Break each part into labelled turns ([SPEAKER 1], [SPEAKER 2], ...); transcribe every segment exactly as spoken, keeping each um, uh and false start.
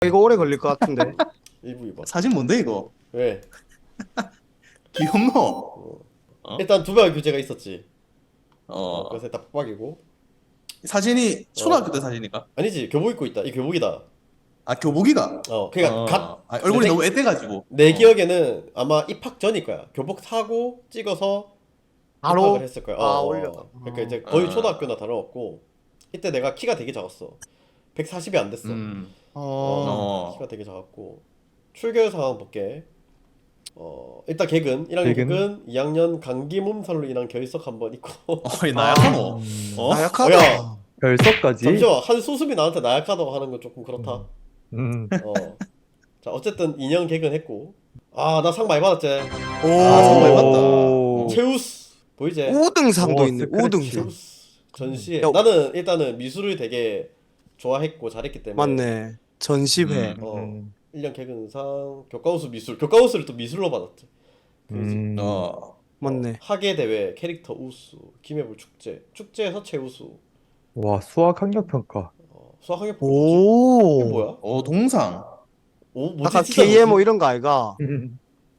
[SPEAKER 1] 이거 오래 걸릴 것 같은데.
[SPEAKER 2] 일부 이번.
[SPEAKER 3] 사진 뭔데 이거?
[SPEAKER 2] 왜?
[SPEAKER 3] 귀엽노?
[SPEAKER 2] 어.
[SPEAKER 3] 어?
[SPEAKER 2] 일단 두 발 교재가 있었지. 어,
[SPEAKER 3] 어.
[SPEAKER 2] 그래서 일단 빡빡이고.
[SPEAKER 3] 사진이 초등학교 때 사진인가?
[SPEAKER 2] 아니지, 교복 입고 있다. 이 교복이다.
[SPEAKER 3] 아 교복이가?
[SPEAKER 2] 어, 그러니까
[SPEAKER 3] 어.
[SPEAKER 2] 각,
[SPEAKER 3] 아, 얼굴이
[SPEAKER 2] 내,
[SPEAKER 3] 너무 애돼가지고.
[SPEAKER 2] 내
[SPEAKER 3] 어.
[SPEAKER 2] 기억에는 아마 입학 전일 거야. 교복 사고 찍어서
[SPEAKER 1] 바로
[SPEAKER 2] 입학을 했을 거야. 어,
[SPEAKER 1] 아
[SPEAKER 2] 어.
[SPEAKER 1] 올려.
[SPEAKER 2] 그러니까 이제 거의
[SPEAKER 3] 아.
[SPEAKER 2] 초등학교나 다름없고. 이때 내가 키가 되게 작았어. 백사십이 안 됐어.
[SPEAKER 3] 음.
[SPEAKER 1] 어.
[SPEAKER 3] 어.
[SPEAKER 2] 키가 되게 작았고. 출결 상황 볼게. 어, 일단 개근, 일 학년
[SPEAKER 4] 개근?
[SPEAKER 2] 개근, 이 학년 감기 몸살로 인한 결석 한 번 있고.
[SPEAKER 3] 어이 나약하노?
[SPEAKER 4] 음.
[SPEAKER 3] 어?
[SPEAKER 1] 나약하다.
[SPEAKER 2] 야.
[SPEAKER 4] 결석까지?
[SPEAKER 2] 잠시만, 한 수습이 나한테 나약하다고 하는 건 조금 그렇다.
[SPEAKER 4] 음.
[SPEAKER 2] 어. 자, 어쨌든 이 년 개근했고. 아, 나 상 많이 받았지.
[SPEAKER 1] 오.
[SPEAKER 3] 아, 정말 맞다.
[SPEAKER 4] 오.
[SPEAKER 2] 체우스. 보이지?
[SPEAKER 1] 우등상도
[SPEAKER 4] 오,
[SPEAKER 1] 있네.
[SPEAKER 4] 스크래치.
[SPEAKER 1] 우등상.
[SPEAKER 2] 체우스. 전시회.
[SPEAKER 1] 야.
[SPEAKER 2] 나는 일단은 미술을 되게 좋아했고 잘했기 때문에.
[SPEAKER 1] 맞네. 전시회.
[SPEAKER 3] 음.
[SPEAKER 2] 어.
[SPEAKER 4] 음.
[SPEAKER 2] 일 년 개근상, 교과우수 미술. 교과우수를 또 미술로 받았지. 그지?
[SPEAKER 4] 음.
[SPEAKER 3] 어.
[SPEAKER 1] 맞네.
[SPEAKER 2] 학예 대회, 캐릭터 우수, 기매불 축제, 축제에서 최우수.
[SPEAKER 4] 와, 수학 학력 평가.
[SPEAKER 2] 어, 수학 학예 보고 이게
[SPEAKER 1] 오.
[SPEAKER 2] 뭐야?
[SPEAKER 3] 어 동상.
[SPEAKER 2] 오, 뭐지?
[SPEAKER 1] 아까
[SPEAKER 2] 진짜
[SPEAKER 1] 케이엠오
[SPEAKER 2] 뭐지?
[SPEAKER 1] 이런 거 아이가?
[SPEAKER 4] 음.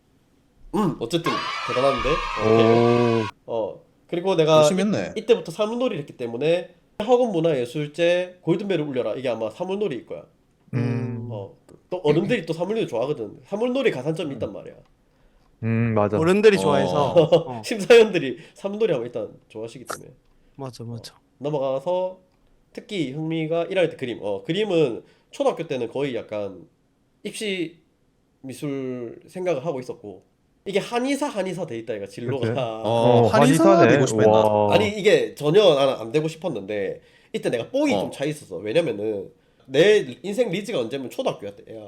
[SPEAKER 2] 음, 어쨌든 대단한데. 오케이.
[SPEAKER 4] 오.
[SPEAKER 2] 어, 그리고 내가
[SPEAKER 3] 열심히 했네.
[SPEAKER 2] 이, 이때부터 사물놀이를 했기 때문에 학원문화예술제 골든벨을 울려라. 이게 아마 사물놀이일 거야.
[SPEAKER 4] 음.
[SPEAKER 2] 어, 또 어른들이 또 사물놀이 좋아하거든. 사물놀이 가산점이 있단 말이야.
[SPEAKER 4] 음, 맞아.
[SPEAKER 1] 어른들이
[SPEAKER 3] 어.
[SPEAKER 1] 좋아해서. 어.
[SPEAKER 2] 심사위원들이 사물놀이 하면 일단 좋아하시기 때문에.
[SPEAKER 1] 맞아 맞아.
[SPEAKER 2] 넘어가서 특히 흥미가 일 학년 때 그림. 어, 그림은 초등학교 때는 거의 약간 입시 미술 생각을 하고 있었고 이게 한의사 한의사 돼 있다 얘가 진로가.
[SPEAKER 4] 그치?
[SPEAKER 3] 어,
[SPEAKER 4] 어,
[SPEAKER 3] 한의사
[SPEAKER 4] 한의사네.
[SPEAKER 3] 되고 싶었나?
[SPEAKER 4] 와.
[SPEAKER 2] 아니 이게 전혀 나는 안 되고 싶었는데 이때 내가 뽕이
[SPEAKER 3] 어.
[SPEAKER 2] 좀 차 있었어. 왜냐면은 내 인생 리즈가 언제면 초등학교였대. 야,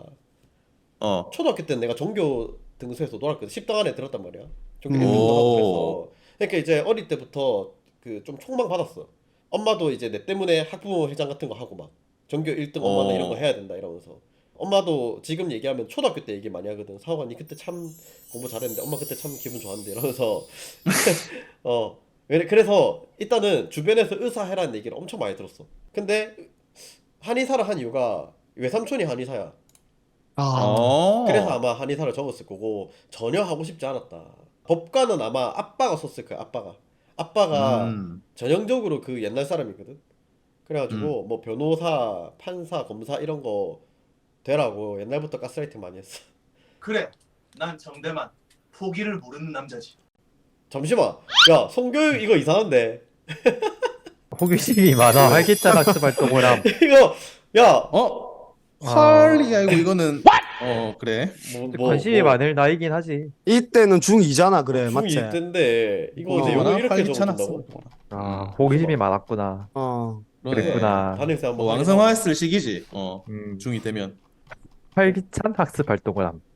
[SPEAKER 3] 어.
[SPEAKER 2] 초등학교 때는 내가 종교 등수에서 놀았거든. 십 등 안에 들었단 말이야. 종교
[SPEAKER 1] 음.
[SPEAKER 2] 일 등도 하고
[SPEAKER 3] 오.
[SPEAKER 2] 그래서. 그러니까 이제 어릴 때부터 그 좀 촉망 받았어. 엄마도 이제 내 때문에 학부모 회장 같은 거 하고 막 전교 일 등 엄마는
[SPEAKER 3] 어.
[SPEAKER 2] 이런 거 해야 된다 이러면서. 엄마도 지금 얘기하면 초등학교 때 얘기 많이 하거든. 사관이 그때 참 공부 잘했는데 엄마 그때 참 기분 좋았는데 이러면서. 어. 왜- 그래서 일단은 주변에서 의사 해라는 얘기를 엄청 많이 들었어. 근데 한의사를 한 이유가 외삼촌이 한의사야.
[SPEAKER 1] 아.
[SPEAKER 3] 어.
[SPEAKER 2] 그래서 아마 한의사를 적었을 거고 전혀 하고 싶지 않았다. 법관은 아마 아빠가 썼을 거야. 아빠가. 아빠가
[SPEAKER 3] 음.
[SPEAKER 2] 전형적으로 그 옛날 사람이거든. 그래가지고
[SPEAKER 3] 음.
[SPEAKER 2] 뭐 변호사, 판사, 검사 이런 거 되라고 옛날부터 가스라이팅 많이 했어.
[SPEAKER 3] 그래. 난 정대만 포기를 모르는 남자지.
[SPEAKER 2] 잠시만. 야, 성교육 이거 이상한데.
[SPEAKER 4] 호기심이 많아. 활기찬 학습 활동을 함.
[SPEAKER 2] 이거 야,
[SPEAKER 3] 어?
[SPEAKER 4] 아.
[SPEAKER 3] 헐리가 아니고 이거는 어 그래.
[SPEAKER 2] 뭐, 뭐,
[SPEAKER 4] 관심이
[SPEAKER 2] 뭐,
[SPEAKER 4] 많을 나이긴 하지.
[SPEAKER 1] 이때는 중이잖아 그래 맞지?
[SPEAKER 2] 중이 때인데 이거
[SPEAKER 1] 어,
[SPEAKER 2] 내용을 이렇게
[SPEAKER 3] 활기찬
[SPEAKER 2] 적어준다고?
[SPEAKER 3] 학습.
[SPEAKER 4] 아,
[SPEAKER 3] 음.
[SPEAKER 4] 호기심이 많았구나.
[SPEAKER 1] 어.
[SPEAKER 3] 그러네.
[SPEAKER 4] 그랬구나.
[SPEAKER 2] 담임쌤 한번
[SPEAKER 3] 뭐
[SPEAKER 2] 확인해.
[SPEAKER 3] 왕성화했을 시기지. 어.
[SPEAKER 4] 음.
[SPEAKER 3] 중이 되면.
[SPEAKER 4] 활기찬 학습 활동을 함.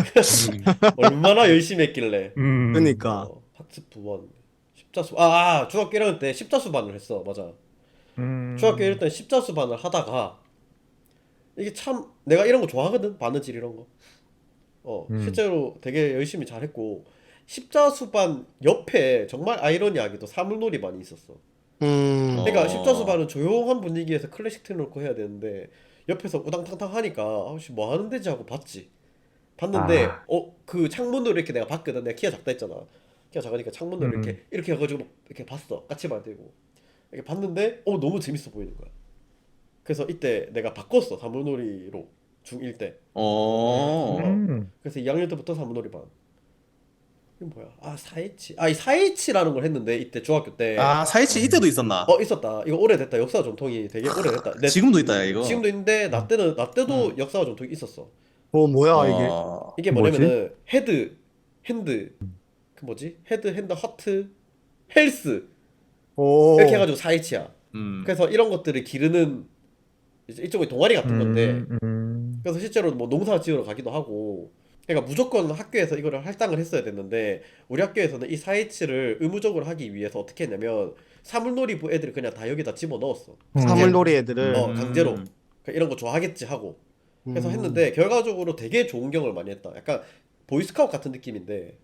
[SPEAKER 2] 얼마나 열심히 했길래.
[SPEAKER 4] 음.
[SPEAKER 1] 그러니까.
[SPEAKER 2] 어, 학습 부원 십자수 아, 아 중학교 일 학년 때 십자수반을 했어. 맞아.
[SPEAKER 4] 음.
[SPEAKER 2] 중학교 일 학년 때 십자수반을 하다가 이게 참 내가 이런 거 좋아하거든. 바느질 이런 거. 어,
[SPEAKER 4] 음.
[SPEAKER 2] 실제로 되게 열심히 잘했고 십자수반 옆에 정말 아이러니하게도 사물놀이반이 있었어.
[SPEAKER 1] 음.
[SPEAKER 2] 그러니까
[SPEAKER 3] 어.
[SPEAKER 2] 십자수반은 조용한 분위기에서 클래식 틀어놓고 해야 되는데 옆에서 우당탕탕 하니까 아씨 뭐 하는 데지 하고 봤지. 봤는데
[SPEAKER 4] 아.
[SPEAKER 2] 어 그 창문으로 이렇게 내가 봤거든. 내가 키가 작다 했잖아. 키가 작으니까 창문으로
[SPEAKER 4] 음.
[SPEAKER 2] 이렇게 이렇게 해가지고 이렇게 봤어. 까치발 들고 이렇게 봤는데 어 너무 재밌어 보이는 거야. 그래서 이때 내가 바꿨어. 사물놀이로 중일 때.
[SPEAKER 3] 어.
[SPEAKER 4] 음.
[SPEAKER 2] 그래서 이 학년 때부터 사물놀이 반. 이건 뭐야? 아 사이치. 아 이 사이치라는 걸 했는데 이때 중학교 때.
[SPEAKER 3] 아 사이치 이때도 있었나?
[SPEAKER 2] 어 있었다. 이거 오래됐다. 역사 전통이 되게 오래됐다. 내,
[SPEAKER 3] 지금도 있다 야 이거.
[SPEAKER 2] 지금도 있는데 나 때는 나 때도
[SPEAKER 3] 음.
[SPEAKER 2] 역사와 전통이 있었어.
[SPEAKER 1] 어 뭐야 이게?
[SPEAKER 3] 어.
[SPEAKER 2] 이게
[SPEAKER 4] 뭐지?
[SPEAKER 2] 뭐냐면은 헤드, 핸드, 그 뭐지? 헤드, 핸드, 허트, 헬스
[SPEAKER 1] 오.
[SPEAKER 2] 이렇게 해가지고 사이치야.
[SPEAKER 3] 음.
[SPEAKER 2] 그래서 이런 것들을 기르는 이제 일종의 동아리 같은 건데
[SPEAKER 4] 음. 음.
[SPEAKER 2] 그래서 실제로 뭐 농사 지으러 가기도 하고 그러니까 무조건 학교에서 이거를 할당을 했어야 됐는데 우리 학교에서는 이 사이치를 의무적으로 하기 위해서 어떻게 했냐면 사물놀이부 애들을 그냥 다 여기다 집어 넣었어.
[SPEAKER 1] 사물놀이 애들을.
[SPEAKER 2] 어 강제로
[SPEAKER 3] 음.
[SPEAKER 2] 그러니까 이런 거 좋아하겠지 하고 그래서
[SPEAKER 1] 음.
[SPEAKER 2] 했는데 결과적으로 되게 좋은 경험을 많이 했다. 약간 보이스카우트 같은 느낌인데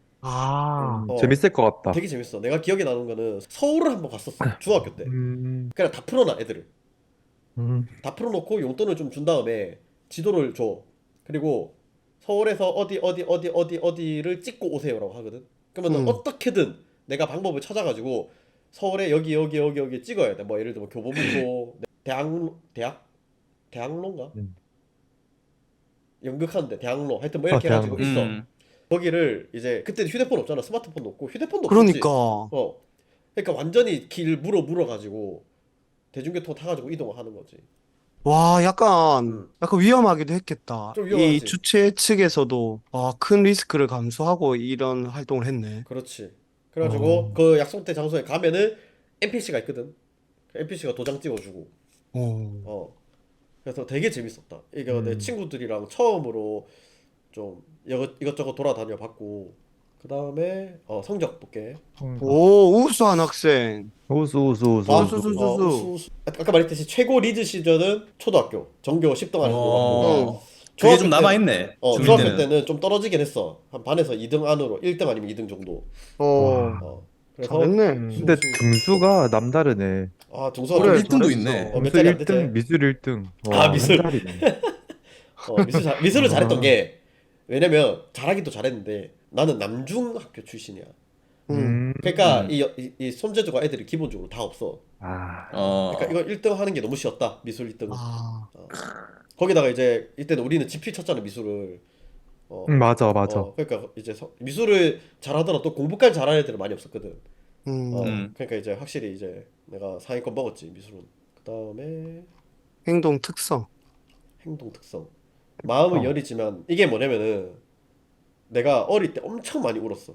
[SPEAKER 1] 아.
[SPEAKER 4] 음.
[SPEAKER 2] 어,
[SPEAKER 4] 재밌을 것 같다.
[SPEAKER 2] 되게 재밌어. 내가 기억에 나는 거는 서울을 한번 갔었어. 중학교 때.
[SPEAKER 4] 음.
[SPEAKER 2] 그냥 다 풀어놔 애들을.
[SPEAKER 4] 음.
[SPEAKER 2] 다 풀어놓고 용돈을 좀 준 다음에 지도를 줘. 그리고 서울에서 어디 어디 어디 어디 어디를 찍고 오세요라고 하거든. 그러면
[SPEAKER 1] 음.
[SPEAKER 2] 어떻게든 내가 방법을 찾아가지고 서울에 여기 여기 여기 여기 찍어야 돼. 뭐 예를 들면 교보문고, 대학 대학 대학로인가?
[SPEAKER 4] 음.
[SPEAKER 2] 연극하는데 대학로 하여튼 뭐
[SPEAKER 4] 아,
[SPEAKER 2] 이렇게 해가지고
[SPEAKER 4] 대학로.
[SPEAKER 2] 있어.
[SPEAKER 5] 음.
[SPEAKER 2] 거기를 이제 그때 휴대폰 없잖아. 스마트폰도 없고 휴대폰도 없었지.
[SPEAKER 1] 그러니까.
[SPEAKER 2] 어. 그러니까 완전히 길 물어 물어 가지고 대중교통 타가지고 이동을 하는 거지.
[SPEAKER 1] 와, 약간,
[SPEAKER 2] 음.
[SPEAKER 1] 약간 위험하기도 했겠다.
[SPEAKER 2] 좀
[SPEAKER 1] 이
[SPEAKER 2] 위험하지.
[SPEAKER 1] 주최 측에서도 아, 큰 리스크를 감수하고 이런 활동을 했네.
[SPEAKER 2] 그렇지. 그래가지고
[SPEAKER 1] 어.
[SPEAKER 2] 그 약속된 장소에 가면은 엔피씨가 있거든. 엔피씨가 도장 찍어주고.
[SPEAKER 1] 어.
[SPEAKER 2] 어. 그래서 되게 재밌었다. 이거 내
[SPEAKER 4] 음.
[SPEAKER 2] 친구들이랑 처음으로 좀 이것 이것저것 돌아다녀 봤고. 그 다음에 어 성적 볼게.
[SPEAKER 1] 오, 우수한 학생.
[SPEAKER 4] 우수 우수 우수
[SPEAKER 2] 아,
[SPEAKER 1] 우수, 우수, 우수.
[SPEAKER 2] 어, 우수, 우수. 아까 말했듯이 최고 리드 시절은 초등학교 전교 십 등 안에 들어갔고.
[SPEAKER 5] 어. 그게
[SPEAKER 2] 중학교
[SPEAKER 5] 좀
[SPEAKER 2] 때-
[SPEAKER 5] 남아있네.
[SPEAKER 2] 어,
[SPEAKER 5] 중일
[SPEAKER 2] 중학교
[SPEAKER 5] 때는.
[SPEAKER 2] 때는 좀 떨어지긴 했어. 한 반에서 이 등 안으로 일 등 아니면 이 등 정도.
[SPEAKER 1] 어,
[SPEAKER 2] 어. 그래서
[SPEAKER 1] 잘했네.
[SPEAKER 4] 음, 근데 등수가 남다르네.
[SPEAKER 2] 아, 등수가
[SPEAKER 1] 그래,
[SPEAKER 2] 좀-
[SPEAKER 5] 일 등도
[SPEAKER 1] 잘했어.
[SPEAKER 5] 있네.
[SPEAKER 2] 어, 몇
[SPEAKER 4] 등수
[SPEAKER 2] 자리 안
[SPEAKER 4] 일 등,
[SPEAKER 2] 되지?
[SPEAKER 4] 미술 일 등.
[SPEAKER 2] 아, 미술.
[SPEAKER 4] 한 자리네.
[SPEAKER 2] 어, 미술 잘, 미술을 잘했던
[SPEAKER 4] 아.
[SPEAKER 2] 게 왜냐면 잘하기도 잘했는데 나는 남중 학교 출신이야.
[SPEAKER 1] 음.
[SPEAKER 2] 그러니까
[SPEAKER 5] 음.
[SPEAKER 2] 이, 이, 이 손재주가 애들이 기본적으로 다 없어.
[SPEAKER 4] 아,
[SPEAKER 5] 어.
[SPEAKER 2] 그러니까 이거 일 등 하는 게 너무 쉬웠다. 미술 일 등.
[SPEAKER 1] 아,
[SPEAKER 2] 거기다가 이제 이때는 우리는 지필 쳤잖아 미술을. 어,
[SPEAKER 4] 음, 맞아 맞아.
[SPEAKER 2] 어, 그러니까 이제 서- 미술을 잘하더라도 공부까지 잘하는 애들은 많이 없었거든.
[SPEAKER 1] 음.
[SPEAKER 2] 어,
[SPEAKER 5] 음.
[SPEAKER 2] 그러니까 이제 확실히 이제 내가 상위권 먹었지 미술은. 그 다음에
[SPEAKER 1] 행동 특성.
[SPEAKER 2] 행동 특성. 마음은
[SPEAKER 4] 어.
[SPEAKER 2] 여리지만 이게 뭐냐면은 내가 어릴 때 엄청 많이 울었어.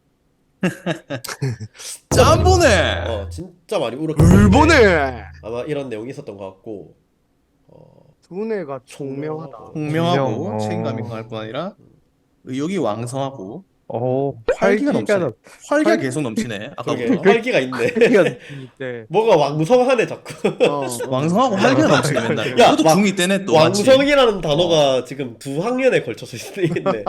[SPEAKER 5] 짬보네.
[SPEAKER 2] 어 진짜 많이 울었기
[SPEAKER 1] 울보네.
[SPEAKER 2] 때문에 아마 이런 내용이 있었던 것 같고. 어,
[SPEAKER 1] 두뇌가 총명하다.
[SPEAKER 5] 공명하고
[SPEAKER 4] 공명, 어.
[SPEAKER 5] 책임감이 강할 뿐 아니라 의욕이 왕성하고
[SPEAKER 4] 어,
[SPEAKER 5] 활기가 넘치네.
[SPEAKER 4] 넘-
[SPEAKER 5] 활기가
[SPEAKER 4] 활-
[SPEAKER 5] 계속 넘치네.
[SPEAKER 2] 그러게
[SPEAKER 5] 아까부터.
[SPEAKER 2] 활기가 있네.
[SPEAKER 4] 활기가 넘치는데.
[SPEAKER 2] 뭐가 왕성하네 자꾸.
[SPEAKER 1] 어.
[SPEAKER 5] 왕성하고 활기가 넘치네 맨날.
[SPEAKER 2] 야,
[SPEAKER 5] 너도
[SPEAKER 2] 왕-
[SPEAKER 5] 중이 때네 또 맞지?
[SPEAKER 2] 왕성이라는 단어가 지금 두 학년에 걸쳐서 있네.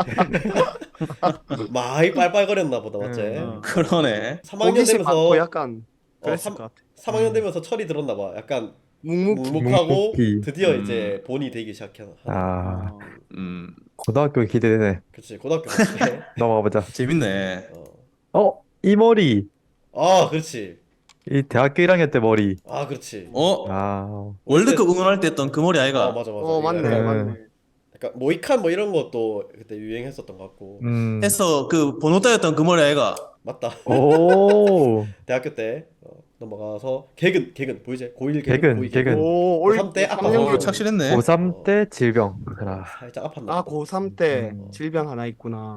[SPEAKER 2] 많이 빨빨거렸나 보다 맞지?
[SPEAKER 5] 음, 그러네.
[SPEAKER 2] 삼 학년
[SPEAKER 1] 호기심
[SPEAKER 2] 되면서
[SPEAKER 1] 많고 약간
[SPEAKER 2] 어,
[SPEAKER 1] 그랬을
[SPEAKER 2] 삼-
[SPEAKER 1] 것 같아.
[SPEAKER 2] 삼 학년 되면서 철이 들었나 봐. 약간
[SPEAKER 1] 묵묵히.
[SPEAKER 2] 묵묵하고
[SPEAKER 4] 묵묵히.
[SPEAKER 2] 드디어
[SPEAKER 5] 음.
[SPEAKER 2] 이제 본이 되기 시작한.
[SPEAKER 4] 아,
[SPEAKER 5] 음,
[SPEAKER 4] 고등학교 기대되네.
[SPEAKER 2] 그치 고등학교 때.
[SPEAKER 4] 넘어가 보자.
[SPEAKER 5] 재밌네.
[SPEAKER 2] 어.
[SPEAKER 4] 어, 이 머리.
[SPEAKER 2] 아 그렇지.
[SPEAKER 4] 이 대학교 일 학년 때 머리.
[SPEAKER 2] 아 그렇지.
[SPEAKER 5] 어?
[SPEAKER 4] 아,
[SPEAKER 5] 월드컵 응원할 때 했던 그 머리 아이가?
[SPEAKER 2] 어 맞아 맞아.
[SPEAKER 1] 어, 맞네,
[SPEAKER 2] 약간,
[SPEAKER 1] 맞네.
[SPEAKER 2] 약간 모이칸 뭐 이런 것도 그때 유행했었던 것 같고.
[SPEAKER 4] 음.
[SPEAKER 5] 했어. 그 번호 따였던 그 머리 아이가?
[SPEAKER 2] 맞다.
[SPEAKER 4] 오,
[SPEAKER 2] 대학교 때 어, 넘어가서 개근 개근 보이지? 고일 개근
[SPEAKER 4] 개근,
[SPEAKER 2] 고이
[SPEAKER 4] 개근.
[SPEAKER 1] 오, 올
[SPEAKER 2] 고삼 때 아빠
[SPEAKER 1] 삼 년
[SPEAKER 5] 어,
[SPEAKER 2] 교-
[SPEAKER 5] 착실했네.
[SPEAKER 4] 고삼 때 질병. 그라.
[SPEAKER 2] 살짝 아팠나
[SPEAKER 1] 아,
[SPEAKER 2] 보다.
[SPEAKER 1] 고삼 때
[SPEAKER 4] 음.
[SPEAKER 1] 질병 하나 있구나.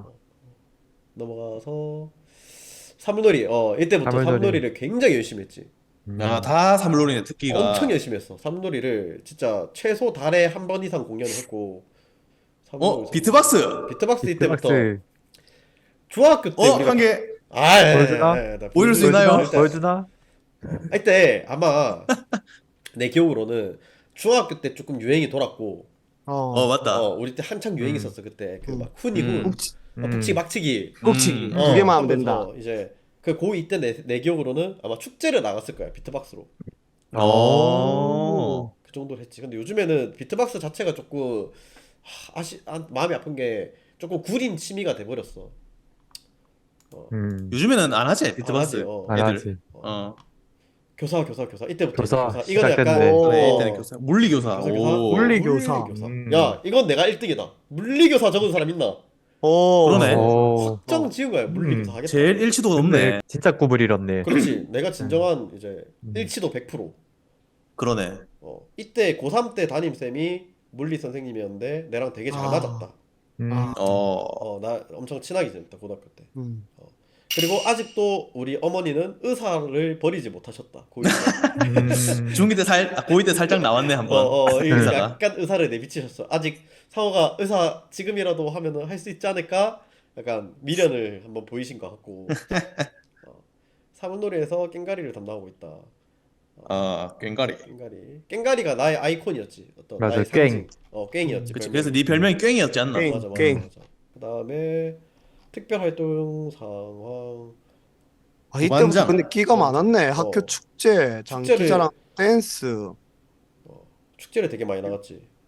[SPEAKER 2] 넘어가서 삼놀이. 어 이때부터
[SPEAKER 4] 삼놀이.
[SPEAKER 2] 삼놀이를 굉장히 열심히 했지.
[SPEAKER 4] 음.
[SPEAKER 5] 야, 다 삼물놀이네 특기가.
[SPEAKER 2] 엄청 열심히 했어. 삼놀이를 진짜 최소 달에 한 번 이상 공연을 했고. 삼놀이,
[SPEAKER 5] 어? 비트박스!
[SPEAKER 2] 비트박스 이때부터
[SPEAKER 4] 비트박스
[SPEAKER 2] 중학교 때
[SPEAKER 5] 어?
[SPEAKER 2] 우리가
[SPEAKER 5] 한 개.
[SPEAKER 2] 아, 예,
[SPEAKER 4] 보여주나?
[SPEAKER 2] 예, 예, 나
[SPEAKER 5] 보여줄 수
[SPEAKER 2] 보여주나?
[SPEAKER 5] 있나요?
[SPEAKER 2] 일단
[SPEAKER 4] 보여주나?
[SPEAKER 2] 이때 아마 내 기억으로는 중학교 때 조금 유행이 돌았고
[SPEAKER 1] 어,
[SPEAKER 5] 어, 맞다.
[SPEAKER 2] 어 우리 때 한창 유행이
[SPEAKER 4] 음.
[SPEAKER 2] 있었어 그때 그
[SPEAKER 1] 음.
[SPEAKER 2] 막 훈이
[SPEAKER 5] 음.
[SPEAKER 2] 훈
[SPEAKER 1] 꼭지,
[SPEAKER 2] 어, 북치기 막치기
[SPEAKER 1] 꼭지기.
[SPEAKER 5] 음.
[SPEAKER 2] 어,
[SPEAKER 1] 두 개만 하면
[SPEAKER 2] 하면서
[SPEAKER 1] 된다.
[SPEAKER 2] 이제 그 고이 때 내 내 기억으로는 아마 축제를 나갔을 거야 비트박스로
[SPEAKER 5] 어.
[SPEAKER 2] 그 정도로 했지. 근데 요즘에는 비트박스 자체가 조금 하, 아시 아, 마음이 아픈 게 조금 구린 취미가 돼버렸어.
[SPEAKER 4] 음.
[SPEAKER 5] 요즘에는 안 하지,
[SPEAKER 2] 안 하지,
[SPEAKER 5] 비트박스.
[SPEAKER 2] 어.
[SPEAKER 4] 안
[SPEAKER 5] 애들.
[SPEAKER 4] 하지.
[SPEAKER 5] 어.
[SPEAKER 2] 교사 교사 교사 이때부터
[SPEAKER 4] 교사
[SPEAKER 2] 교사 이거는 약간
[SPEAKER 4] 시작됐네.
[SPEAKER 1] 오.
[SPEAKER 5] 그래,
[SPEAKER 2] 어,
[SPEAKER 5] 이때는 교사. 물리교사.
[SPEAKER 2] 교사, 교사?
[SPEAKER 5] 오.
[SPEAKER 1] 물리교사.
[SPEAKER 2] 물리교사.
[SPEAKER 4] 음.
[SPEAKER 2] 야 이건 내가 일 등이다. 물리교사 적은 사람 있나?
[SPEAKER 1] 오,
[SPEAKER 5] 그러네.
[SPEAKER 4] 오.
[SPEAKER 2] 확정 지은 거야. 물리교사
[SPEAKER 4] 음.
[SPEAKER 2] 하겠다.
[SPEAKER 5] 제일 일치도가 높네.
[SPEAKER 4] 근데 진짜 구분 잃었네.
[SPEAKER 2] 그렇지. 내가 진정한 이제
[SPEAKER 4] 음.
[SPEAKER 2] 일치도 백 퍼센트.
[SPEAKER 5] 그러네.
[SPEAKER 2] 어 이때 고삼 때 담임 쌤이 물리 선생님이었는데 내랑 되게 잘
[SPEAKER 1] 아.
[SPEAKER 2] 맞았다.
[SPEAKER 4] 음.
[SPEAKER 1] 아.
[SPEAKER 5] 어.
[SPEAKER 2] 어 나 엄청 친하게 지냈다 고등학교 때.
[SPEAKER 1] 음.
[SPEAKER 2] 그리고 아직도 우리 어머니는 의사를 버리지 못하셨다. 고이 때.
[SPEAKER 4] 음.
[SPEAKER 5] 중이 때 살, 아, 고이 때 살짝 나왔네, 한 번.
[SPEAKER 2] 어, 어, 이
[SPEAKER 5] 의사가.
[SPEAKER 2] 약간 의사를 내비치셨어. 아직 상호가 의사 지금이라도 하면은 할 수 있지 않을까? 약간 미련을 한번 보이신 것 같고. 어, 사문놀이에서 깽가리를 담당하고 있다.
[SPEAKER 5] 어, 꽹가리.
[SPEAKER 2] 깽가리. 깽가리가 나의 아이콘이었지. 어떤
[SPEAKER 4] 맞아,
[SPEAKER 2] 나의
[SPEAKER 4] 꽹.
[SPEAKER 2] 상징. 어, 깽이었지.
[SPEAKER 5] 그치.
[SPEAKER 2] 별명이.
[SPEAKER 5] 그래서 네 별명이 꽹이었지 않나?
[SPEAKER 1] 꽹.
[SPEAKER 2] 맞아, 맞아,
[SPEAKER 1] 꽹.
[SPEAKER 2] 맞아. 그다음에 특별 활동 상황.
[SPEAKER 1] 아, 이때부터
[SPEAKER 5] 부반장.
[SPEAKER 1] 근데 끼가 많았네. 학교
[SPEAKER 2] 어.
[SPEAKER 1] 축제, 장기자랑, 댄스.
[SPEAKER 2] 축제를 되게 많이 나갔지.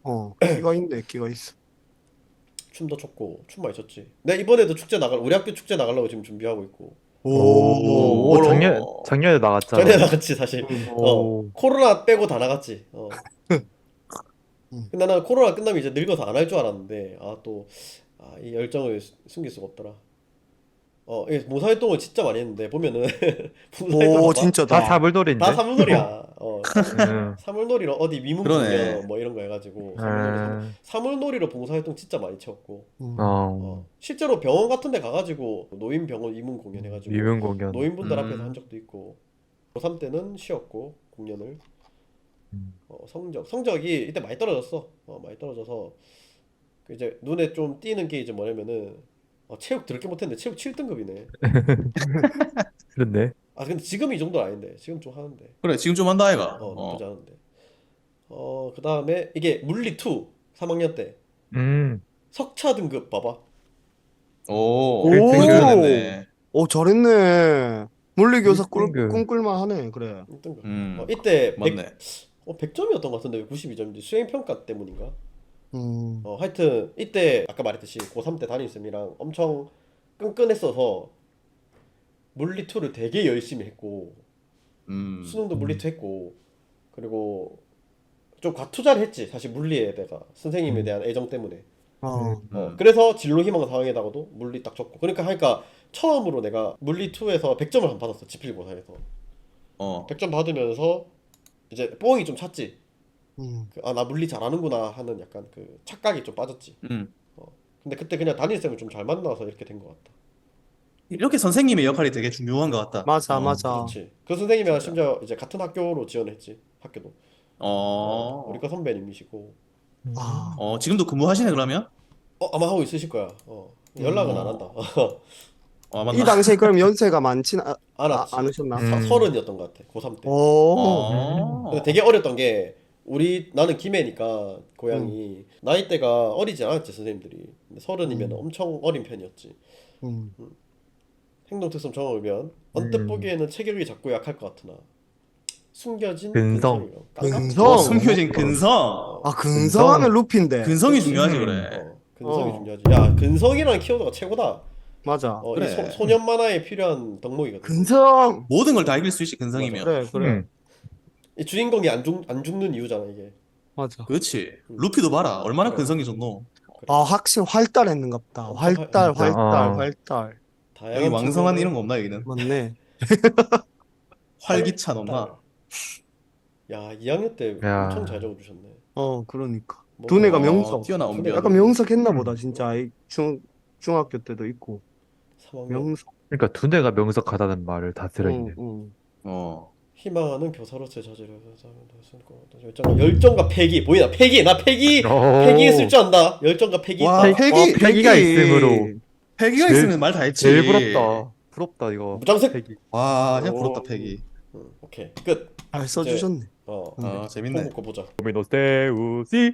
[SPEAKER 1] 어, 끼가 있네, 끼가 있어.
[SPEAKER 2] 춤도 췄고 춤 많이 췄지. 내가 이번에도 축제 나갈 우리 학교 축제 나가려고 지금 준비하고 있고.
[SPEAKER 1] 오,
[SPEAKER 4] 오,
[SPEAKER 1] 뭐로?
[SPEAKER 4] 작년 작년에 나갔잖아.
[SPEAKER 2] 전에 나갔지 사실.
[SPEAKER 1] 음.
[SPEAKER 2] 어
[SPEAKER 4] 오.
[SPEAKER 2] 코로나 빼고 다 나갔지. 어.
[SPEAKER 1] 음.
[SPEAKER 2] 근데 나는 코로나 끝나면 이제 늙어서 안 할 줄 알았는데 아 또 아, 이 열정을 수- 숨길 수가 없더라. 어, 이게 봉사활동을 진짜 많이 했는데 보면은 봉사활동
[SPEAKER 1] 오,
[SPEAKER 2] 봐봐.
[SPEAKER 4] 다
[SPEAKER 1] 진짜다.
[SPEAKER 4] 사물놀이인데.
[SPEAKER 2] 다 사물놀이야. 어,
[SPEAKER 4] 음.
[SPEAKER 2] 사물놀이로 어디 위문
[SPEAKER 5] 그러네.
[SPEAKER 2] 공연 뭐 이런 거 해가지고 사물놀이 사물,
[SPEAKER 4] 음.
[SPEAKER 2] 사물놀이로 봉사활동 진짜 많이 채웠고.
[SPEAKER 1] 음.
[SPEAKER 4] 어.
[SPEAKER 2] 어, 실제로 병원 같은 데 가가지고 노인병원 위문 공연 해가지고
[SPEAKER 4] 미문 공연.
[SPEAKER 2] 노인분들
[SPEAKER 5] 음.
[SPEAKER 2] 앞에서 한 적도 있고. 고삼 때는 쉬었고 공연을.
[SPEAKER 4] 음.
[SPEAKER 2] 어, 성적 성적이 이때 많이 떨어졌어. 어, 많이 떨어져서 그 이제 눈에 좀 띄는 게 이제 뭐냐면은 어, 체육 더럽게 못했는데 체육 칠 등급이네.
[SPEAKER 4] 그렇네.
[SPEAKER 2] 아 근데 지금 이 정도는 아닌데 지금 좀 하는데
[SPEAKER 5] 그래 지금 좀 한다 아이가.
[SPEAKER 2] 어
[SPEAKER 5] 어.
[SPEAKER 2] 나쁘지 않은데 어 그 다음에 이게 물리 이 삼 학년 때
[SPEAKER 4] 음.
[SPEAKER 2] 석차 등급 봐봐.
[SPEAKER 5] 오.
[SPEAKER 1] 오.
[SPEAKER 5] 그거 잘했네.
[SPEAKER 1] 오, 잘했네. 물리교사 꿀,
[SPEAKER 4] 일 등급.
[SPEAKER 1] 꿈꿀만 하네, 그래.
[SPEAKER 2] 일 등급.
[SPEAKER 5] 음.
[SPEAKER 2] 어, 이때 백,
[SPEAKER 5] 맞네.
[SPEAKER 2] 어, 백 점이었던 것 같은데 왜 구십이 점인지 수행평가 때문인가?
[SPEAKER 1] 음.
[SPEAKER 2] 어 하여튼 이때 아까 말했듯이 고삼 때 담임쌤이랑 엄청 끈끈했어서 물리 이를 되게 열심히 했고
[SPEAKER 5] 음.
[SPEAKER 2] 수능도 물리 이 했고 그리고 좀 과투자를 했지 사실 물리에 내가 선생님에 대한 애정 때문에.
[SPEAKER 1] 어.
[SPEAKER 2] 어,
[SPEAKER 5] 음.
[SPEAKER 2] 그래서 진로 희망 상황에다가도 물리 딱 줬고 그러니까 하니까 처음으로 내가 물리 이에서 백 점을 한 번 받았어 지필고사에서.
[SPEAKER 5] 어.
[SPEAKER 2] 백 점 받으면서 이제 뽕이 좀 찼지.
[SPEAKER 1] 음.
[SPEAKER 2] 그, 아, 나 물리 잘하는구나 하는 약간 그 착각이 좀 빠졌지.
[SPEAKER 5] 음.
[SPEAKER 2] 근데 그때 그냥 담임쌤을 좀 잘 만나서 이렇게 된 것 같다.
[SPEAKER 5] 이렇게 선생님의 역할이 되게 중요한 것 같다.
[SPEAKER 1] 맞아,
[SPEAKER 5] 어.
[SPEAKER 1] 맞아.
[SPEAKER 2] 그렇지. 그 선생님이랑
[SPEAKER 5] 진짜.
[SPEAKER 2] 심지어 이제 같은 학교로 지원했지. 학교도. 어,
[SPEAKER 5] 어.
[SPEAKER 2] 우리 과 선배님이시고.
[SPEAKER 1] 아.
[SPEAKER 5] 어 지금도 근무하시네 그러면?
[SPEAKER 2] 어, 아마 하고 있으실 거야. 어. 연락은
[SPEAKER 5] 음.
[SPEAKER 2] 안 한다.
[SPEAKER 5] 어
[SPEAKER 1] 이
[SPEAKER 5] 맞나?
[SPEAKER 1] 당시에 그럼 연세가 많진 아,
[SPEAKER 2] 안
[SPEAKER 1] 아,
[SPEAKER 2] 왔지.
[SPEAKER 1] 않으셨나?
[SPEAKER 4] 음.
[SPEAKER 2] 서, 서른이었던 것 같아. 고삼 때.
[SPEAKER 1] 오.
[SPEAKER 5] 어.
[SPEAKER 2] 근데 되게 어렸던 게 우리 나는 김해니까 고향이 나이대가 어리지 않았지 선생님들이. 근데 서른이면
[SPEAKER 1] 음.
[SPEAKER 2] 엄청 어린 편이었지.
[SPEAKER 1] 음.
[SPEAKER 2] 행동특성 정하면 언뜻
[SPEAKER 4] 음.
[SPEAKER 2] 보기에는 체격이 작고 약할 것 같으나 숨겨진
[SPEAKER 4] 근성.
[SPEAKER 2] 근성이요. 깡깡
[SPEAKER 1] 근성.
[SPEAKER 5] 어,
[SPEAKER 2] 튀어나오는
[SPEAKER 5] 숨겨진
[SPEAKER 2] 거.
[SPEAKER 5] 근성.
[SPEAKER 2] 어,
[SPEAKER 1] 아, 근성하면 루피인데.
[SPEAKER 5] 근성이
[SPEAKER 2] 그치.
[SPEAKER 5] 중요하지
[SPEAKER 4] 음.
[SPEAKER 5] 그래.
[SPEAKER 2] 어, 근성이
[SPEAKER 1] 어.
[SPEAKER 2] 중요하지. 야, 근성이라는 키워드가 최고다.
[SPEAKER 1] 맞아.
[SPEAKER 2] 어,
[SPEAKER 5] 그래.
[SPEAKER 2] 이 소, 소년 만화에 필요한 덕목이거든.
[SPEAKER 1] 근성.
[SPEAKER 5] 모든 걸 다 이길 수 있지 근성이면.
[SPEAKER 1] 그래, 그래.
[SPEAKER 4] 음.
[SPEAKER 2] 이 주인공이 안, 죽, 안 죽는 이유잖아 이게.
[SPEAKER 1] 맞아.
[SPEAKER 5] 그렇지. 루피도 봐라. 얼마나
[SPEAKER 2] 그래.
[SPEAKER 5] 근성이 좋노.
[SPEAKER 1] 아, 확실히 활달했는갑다.
[SPEAKER 2] 엄청
[SPEAKER 1] 활달,
[SPEAKER 4] 진짜,
[SPEAKER 1] 활달,
[SPEAKER 4] 어.
[SPEAKER 1] 활달.
[SPEAKER 2] 다양한
[SPEAKER 5] 여기 왕성한
[SPEAKER 2] 측면을
[SPEAKER 5] 이런 거 없나 여기는?
[SPEAKER 1] 맞네.
[SPEAKER 5] 활기찬
[SPEAKER 2] 활달.
[SPEAKER 5] 없나?
[SPEAKER 2] 야, 이 학년 때
[SPEAKER 4] 야.
[SPEAKER 2] 엄청 잘 적어주셨네.
[SPEAKER 1] 어, 그러니까.
[SPEAKER 2] 뭐,
[SPEAKER 1] 두뇌가
[SPEAKER 2] 어,
[SPEAKER 1] 명석.
[SPEAKER 5] 뛰어난
[SPEAKER 2] 두뇌가
[SPEAKER 5] 언변.
[SPEAKER 1] 약간 명석했나
[SPEAKER 4] 음.
[SPEAKER 1] 보다, 진짜. 이 중, 중학교 때도 있고.
[SPEAKER 2] 삼 학년.
[SPEAKER 1] 명석.
[SPEAKER 4] 그러니까 두뇌가 명석하다는 말을 다 들어있네.
[SPEAKER 1] 응, 응.
[SPEAKER 5] 어.
[SPEAKER 2] 희망하는 교사로서의 자질을 열정과 열정과 패기 보이나 패기 나 패기
[SPEAKER 4] 오.
[SPEAKER 2] 패기했을 줄 안다. 열정과 패기
[SPEAKER 5] 와,
[SPEAKER 2] 있다.
[SPEAKER 5] 패기-
[SPEAKER 1] 어,
[SPEAKER 4] 패기가 있으므로
[SPEAKER 5] 패기가
[SPEAKER 4] 제일-
[SPEAKER 5] 있으면 말 다 했지.
[SPEAKER 4] 제일 부럽다. 부럽다 이거.
[SPEAKER 2] 무장색.
[SPEAKER 4] 패기.
[SPEAKER 5] 와, 진짜
[SPEAKER 2] 오.
[SPEAKER 5] 부럽다 패기.
[SPEAKER 2] 응, 오케이 끝.
[SPEAKER 1] 잘 써주셨네.
[SPEAKER 2] 어
[SPEAKER 5] 어, 재밌네.
[SPEAKER 2] 홍보 거 보자.
[SPEAKER 4] 도미노세우시.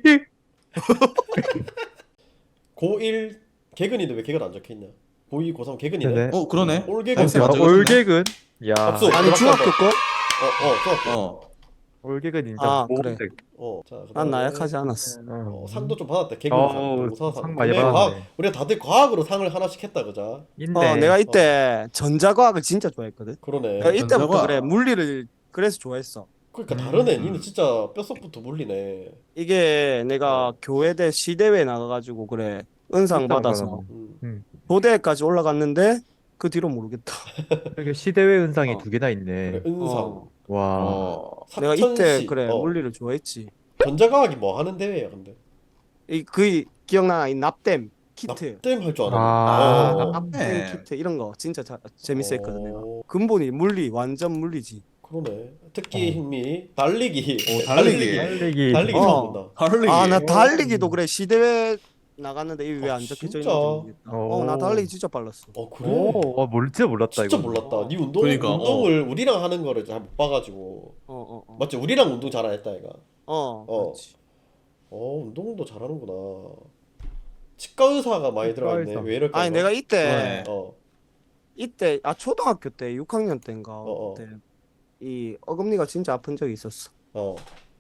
[SPEAKER 2] 고일 개근인데 왜 개근 안 적혀 있냐? 고이 고삼 개근이네.
[SPEAKER 4] 네네.
[SPEAKER 5] 어, 그러네.
[SPEAKER 2] 올 개근.
[SPEAKER 5] 쌤
[SPEAKER 4] 야,
[SPEAKER 5] 안
[SPEAKER 4] 올개근. 야.
[SPEAKER 2] 박수.
[SPEAKER 1] 아니, 중학교 거?
[SPEAKER 2] 어어 중학교.
[SPEAKER 5] 어.
[SPEAKER 4] 올개근 인정.
[SPEAKER 1] 아,
[SPEAKER 4] 모범생.
[SPEAKER 1] 그래.
[SPEAKER 2] 어. 자,
[SPEAKER 1] 난
[SPEAKER 2] 그다음에
[SPEAKER 1] 나약하지 않았어.
[SPEAKER 2] 어, 상도 좀 받았다. 개근
[SPEAKER 4] 어,
[SPEAKER 2] 상, 농사상.
[SPEAKER 4] 상 많이
[SPEAKER 2] 근데
[SPEAKER 4] 받았네.
[SPEAKER 2] 과학, 우리가 다들 과학으로 상을 하나씩 했다 그자.
[SPEAKER 4] 인데.
[SPEAKER 1] 어, 내가 이때 전자과학을 진짜 좋아했거든.
[SPEAKER 2] 그러네.
[SPEAKER 1] 내가 이때부터
[SPEAKER 5] 전자과학.
[SPEAKER 1] 그래, 물리를 그래서 좋아했어.
[SPEAKER 2] 그러니까
[SPEAKER 4] 음.
[SPEAKER 2] 다르네. 니는 진짜 뼛속부터 물리네.
[SPEAKER 1] 이게 내가
[SPEAKER 2] 어.
[SPEAKER 1] 교회대 시대회 나가가지고 그래, 은상
[SPEAKER 4] 은상
[SPEAKER 1] 받아서
[SPEAKER 2] 음.
[SPEAKER 1] 도대까지 올라갔는데 그 뒤로 모르겠다.
[SPEAKER 4] 이렇게 시대회 은상이
[SPEAKER 1] 어.
[SPEAKER 4] 두 개나 있네.
[SPEAKER 2] 그래, 은상.
[SPEAKER 1] 어.
[SPEAKER 4] 와.
[SPEAKER 5] 어.
[SPEAKER 1] 내가
[SPEAKER 2] 사천시.
[SPEAKER 1] 이때 그래
[SPEAKER 2] 어.
[SPEAKER 1] 물리를 좋아했지.
[SPEAKER 2] 전자과학이 뭐 하는 대회야 근데?
[SPEAKER 1] 이 그 기억나? 이 납땜 키트,
[SPEAKER 2] 납땜 할 줄 아네.
[SPEAKER 4] 아,
[SPEAKER 2] 어.
[SPEAKER 1] 납땜
[SPEAKER 5] 네.
[SPEAKER 1] 키트 이런 거 진짜 자, 재밌어했거든 내가.
[SPEAKER 2] 어,
[SPEAKER 1] 근본이 물리, 완전 물리지.
[SPEAKER 2] 그러네. 특기
[SPEAKER 4] 어.
[SPEAKER 2] 흥미 달리기.
[SPEAKER 5] 오, 달리기.
[SPEAKER 4] 달리기.
[SPEAKER 2] 달리기
[SPEAKER 1] 어.
[SPEAKER 2] 처음 본다.
[SPEAKER 5] 하를리.
[SPEAKER 1] 아, 나
[SPEAKER 4] 어.
[SPEAKER 1] 달리기도 그래 시대회 나갔는데 이게 왜
[SPEAKER 2] 아,
[SPEAKER 1] 안 적혀져
[SPEAKER 2] 진짜?
[SPEAKER 1] 있는지 모르겠다. 어, 나
[SPEAKER 4] 오.
[SPEAKER 1] 달리기 진짜 빨랐어.
[SPEAKER 2] 어 그래?
[SPEAKER 4] 오, 어, 몰, 진짜 몰랐다
[SPEAKER 2] 진짜
[SPEAKER 4] 이거.
[SPEAKER 2] 몰랐다. 네 운동
[SPEAKER 5] 그러니까,
[SPEAKER 2] 운동을 우리랑 하는 거를 잘 못 봐가지고.
[SPEAKER 1] 어, 어, 어.
[SPEAKER 2] 맞지? 우리랑 운동 잘 안 했다 얘가.
[SPEAKER 1] 어,
[SPEAKER 2] 어.
[SPEAKER 1] 그렇지.
[SPEAKER 2] 어 운동도 잘하는구나. 치과 의사가 많이
[SPEAKER 4] 치과
[SPEAKER 2] 들어가 있네.
[SPEAKER 4] 의사.
[SPEAKER 2] 왜 이럴까?
[SPEAKER 1] 아니
[SPEAKER 2] 이거?
[SPEAKER 1] 내가 이때
[SPEAKER 5] 그러네.
[SPEAKER 2] 어.
[SPEAKER 1] 이때 아 초등학교 때 육 학년 때인가
[SPEAKER 2] 어, 어.
[SPEAKER 1] 그때 이 어금니가 진짜 아픈 적이 있었어.
[SPEAKER 2] 어.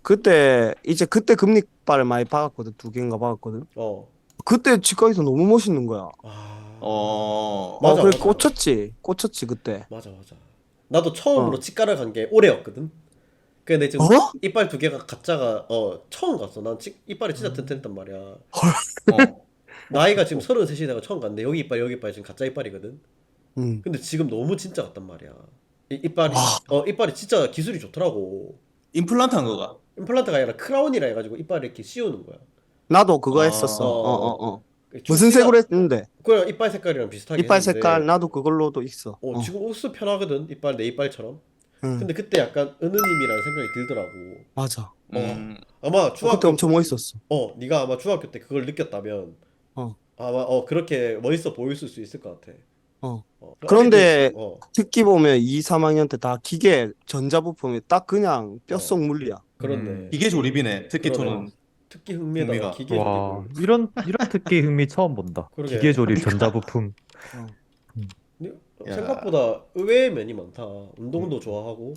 [SPEAKER 1] 그때 이제 그때 금리빨을 많이 박았거든. 두 개인가 박았거든.
[SPEAKER 2] 어.
[SPEAKER 1] 그때 치과에서 너무 멋있는 거야.
[SPEAKER 2] 아.
[SPEAKER 5] 어.
[SPEAKER 2] 맞아,
[SPEAKER 1] 어, 그래
[SPEAKER 2] 맞아.
[SPEAKER 1] 꽂혔지. 꽂혔지 그때.
[SPEAKER 2] 맞아 맞아. 나도 처음으로
[SPEAKER 1] 어.
[SPEAKER 2] 치과를 간 게 올해였거든. 근데 지금
[SPEAKER 1] 어?
[SPEAKER 2] 이빨 두 개가 가짜가 어 처음 갔어. 난 치, 이빨이 진짜
[SPEAKER 1] 음.
[SPEAKER 2] 튼튼했단 말이야.
[SPEAKER 5] 어.
[SPEAKER 2] 나이가 지금 서른셋이 내가 처음 갔는데 여기 이빨 여기 이빨 지금 가짜 이빨이거든.
[SPEAKER 1] 음.
[SPEAKER 2] 근데 지금 너무 진짜 같단 말이야. 이, 이빨이
[SPEAKER 1] 와.
[SPEAKER 2] 어 이빨이 진짜 기술이 좋더라고.
[SPEAKER 5] 임플란트 한 거가.
[SPEAKER 2] 임플란트가 아니라 크라운이라 해가지고 이빨을 이렇게 씌우는 거야.
[SPEAKER 1] 나도 그거
[SPEAKER 5] 아.
[SPEAKER 1] 했었어. 어, 어, 어.
[SPEAKER 2] 좀
[SPEAKER 1] 무슨
[SPEAKER 2] 시가-
[SPEAKER 1] 색으로 했는데?
[SPEAKER 2] 그냥 이빨 색깔이랑 비슷하게
[SPEAKER 1] 이빨
[SPEAKER 2] 했는데
[SPEAKER 1] 색깔 나도 그걸로도 있어.
[SPEAKER 2] 어,
[SPEAKER 1] 어.
[SPEAKER 2] 지금 옥수 편하거든 이빨 내 이빨처럼.
[SPEAKER 1] 응.
[SPEAKER 2] 근데 그때 약간 은우님이라는 생각이 들더라고.
[SPEAKER 1] 맞아.
[SPEAKER 5] 음.
[SPEAKER 2] 아마
[SPEAKER 1] 어, 그때
[SPEAKER 2] 중학교
[SPEAKER 1] 엄청 멋있었어.
[SPEAKER 2] 어 네가 아마 중학교 때 그걸 느꼈다면
[SPEAKER 1] 어.
[SPEAKER 2] 아마 어 그렇게 멋있어 보였을 수 있을 것 같아.
[SPEAKER 1] 어.
[SPEAKER 2] 어.
[SPEAKER 1] 그런데
[SPEAKER 2] 어릴 때- 어
[SPEAKER 1] 특기 보면 이, 삼 학년 때 다 기계 전자부품이 딱 그냥 뼈속
[SPEAKER 2] 어.
[SPEAKER 1] 물리야.
[SPEAKER 2] 그렇네.
[SPEAKER 4] 음.
[SPEAKER 5] 기계 조립이네. 특히
[SPEAKER 2] 그러네.
[SPEAKER 5] 토는.
[SPEAKER 2] 특기 흥미에다가
[SPEAKER 5] 흥미가.
[SPEAKER 2] 기계
[SPEAKER 4] 와,
[SPEAKER 2] 조립을.
[SPEAKER 4] 이런 이런 특기 흥미 처음 본다.
[SPEAKER 2] 그러게.
[SPEAKER 4] 기계 조립 전자부품.
[SPEAKER 1] 어.
[SPEAKER 2] 근데
[SPEAKER 5] 야.
[SPEAKER 2] 생각보다 의외의 면이 많다. 운동도 좋아하고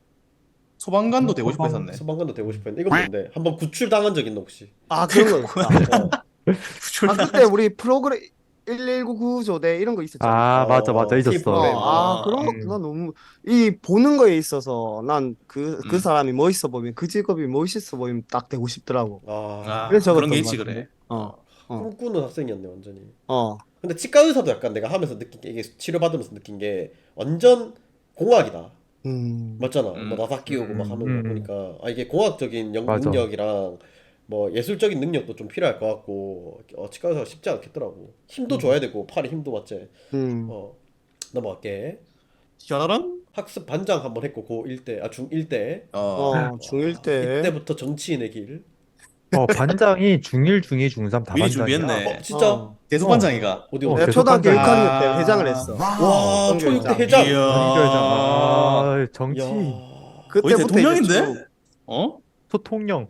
[SPEAKER 5] 소방관도 되고 싶어 했었네.
[SPEAKER 2] 소방관도 되고 싶었는데 이건 뭔데? 한번 구출 당한 적 있나 혹시?
[SPEAKER 1] 아, 그런 거 있다.
[SPEAKER 2] 어.
[SPEAKER 1] 아, 그때 우리 프로그램 일일구 구조대 이런 거 있었잖아.
[SPEAKER 4] 아, 맞아, 맞아,
[SPEAKER 2] 어,
[SPEAKER 4] 있었어.
[SPEAKER 2] 팀 프로그램.
[SPEAKER 1] 어, 아,
[SPEAKER 5] 아,
[SPEAKER 1] 그런 거,
[SPEAKER 4] 음.
[SPEAKER 1] 나 너무, 이, 보는 거에 있어서, 난 그, 그
[SPEAKER 5] 음.
[SPEAKER 1] 사람이 멋있어 보이면, 그 직업이 멋있어 보이면 딱 되고 싶더라고.
[SPEAKER 2] 아,
[SPEAKER 5] 아,
[SPEAKER 1] 그래서
[SPEAKER 5] 그런
[SPEAKER 1] 적었던
[SPEAKER 5] 게
[SPEAKER 1] 것
[SPEAKER 5] 있지
[SPEAKER 1] 같은데.
[SPEAKER 5] 그래.
[SPEAKER 1] 어, 어.
[SPEAKER 2] 꿈꾸는 학생이었네 완전히.
[SPEAKER 1] 어,
[SPEAKER 2] 근데 치과 의사도 약간 내가 하면서 느낀 게 이게 치료받으면서 느낀 게 완전 공학이다.
[SPEAKER 1] 음,
[SPEAKER 2] 맞잖아.
[SPEAKER 5] 음.
[SPEAKER 2] 뭐 나사 끼우고 막
[SPEAKER 4] 음,
[SPEAKER 2] 하는
[SPEAKER 4] 음.
[SPEAKER 2] 거 보니까 아 이게 공학적인 영,
[SPEAKER 4] 맞아.
[SPEAKER 2] 능력이랑 뭐 예술적인 능력도 좀 필요할 것 같고 어, 치과 의사가 쉽지 않겠더라고. 힘도
[SPEAKER 1] 음.
[SPEAKER 2] 줘야 되고 팔에 힘도 맞지.
[SPEAKER 1] 음,
[SPEAKER 2] 어 넘어갈게.
[SPEAKER 5] 현아랑?
[SPEAKER 2] 학습 반장 한번 했고 고일 때, 아 중일 때.
[SPEAKER 5] 어.
[SPEAKER 1] 어, 중일 때.
[SPEAKER 2] 이때부터 정치인의 길.
[SPEAKER 4] 어, 반장이 중일, 중이, 중삼 다
[SPEAKER 5] 미리
[SPEAKER 4] 반장이야.
[SPEAKER 5] 준비했네.
[SPEAKER 2] 어 진짜
[SPEAKER 1] 어.
[SPEAKER 5] 대소반장이가.
[SPEAKER 2] 어디
[SPEAKER 4] 어,
[SPEAKER 2] 어디?
[SPEAKER 1] 내가
[SPEAKER 4] 계속
[SPEAKER 1] 초등학교 육
[SPEAKER 4] 반장이야.
[SPEAKER 1] 학년 때 회장을 했어.
[SPEAKER 2] 와
[SPEAKER 1] 성교육장.
[SPEAKER 2] 초육 때 회장.
[SPEAKER 5] 이야.
[SPEAKER 4] 연결장. 아, 정치.
[SPEAKER 2] 야
[SPEAKER 5] 거의
[SPEAKER 1] 그때부터 이제
[SPEAKER 5] 대통령인데?
[SPEAKER 1] 쭉,
[SPEAKER 5] 어?
[SPEAKER 4] 소통령.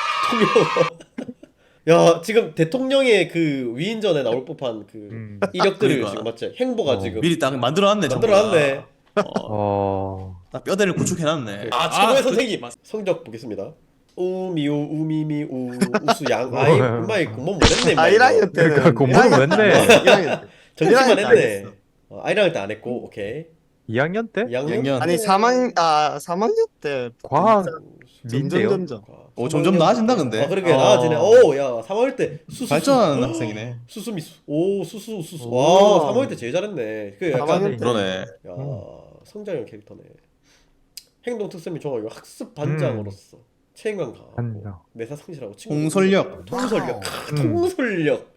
[SPEAKER 2] 대통령. 야 지금 대통령의 그 위인전에 나올 법한 그
[SPEAKER 4] 음.
[SPEAKER 2] 이력들을
[SPEAKER 5] 그러니까.
[SPEAKER 2] 지금 맞지? 행보가
[SPEAKER 4] 어.
[SPEAKER 2] 지금
[SPEAKER 5] 미리 딱 만들어놨네. 전부 다.
[SPEAKER 2] 만들어놨네.
[SPEAKER 5] 어.
[SPEAKER 4] 어.
[SPEAKER 5] 딱 뼈대를 구축해놨네.
[SPEAKER 2] 아 최고의
[SPEAKER 5] 그-
[SPEAKER 2] 선생님 성적 보겠습니다. 우미우 우미미 우 우수양 아이 엄마이 공부 못했네.
[SPEAKER 1] 아, 일 학년 때는.
[SPEAKER 4] 그러니까 공부는 왜 했네?
[SPEAKER 1] 일 학년 때.
[SPEAKER 2] 정치만
[SPEAKER 1] 일 학년 때 안
[SPEAKER 2] 했네.
[SPEAKER 1] 했어.
[SPEAKER 2] 어, 일 학년 때 안 했고 오케이.
[SPEAKER 4] 이 학년 때?
[SPEAKER 2] 이 학년?
[SPEAKER 5] 이 학년.
[SPEAKER 1] 아니, 삼 학년, 아, 삼 학년 때.
[SPEAKER 4] 과학
[SPEAKER 1] 점점,
[SPEAKER 4] 민대요?
[SPEAKER 1] 점점.
[SPEAKER 5] 오, 점점 나아진다, 근데.
[SPEAKER 2] 아 그러게
[SPEAKER 1] 어.
[SPEAKER 2] 나아지네. 오야 삼 학년 때 수수
[SPEAKER 5] 발전하는 학생이네.
[SPEAKER 2] 수수미수 오 수수 수수
[SPEAKER 1] 오.
[SPEAKER 2] 와 삼 학년 때 제일 잘했네. 그
[SPEAKER 1] 삼
[SPEAKER 2] 약간
[SPEAKER 1] 학년 때.
[SPEAKER 5] 그러네.
[SPEAKER 2] 야
[SPEAKER 4] 음.
[SPEAKER 2] 성장형 캐릭터네. 행동 특성이 좋아요. 학습 반장으로서 책임감 강하고
[SPEAKER 4] 반장.
[SPEAKER 2] 매사 성실하고 친구
[SPEAKER 5] 통솔력.
[SPEAKER 2] 통솔력
[SPEAKER 4] 음.
[SPEAKER 2] 통솔력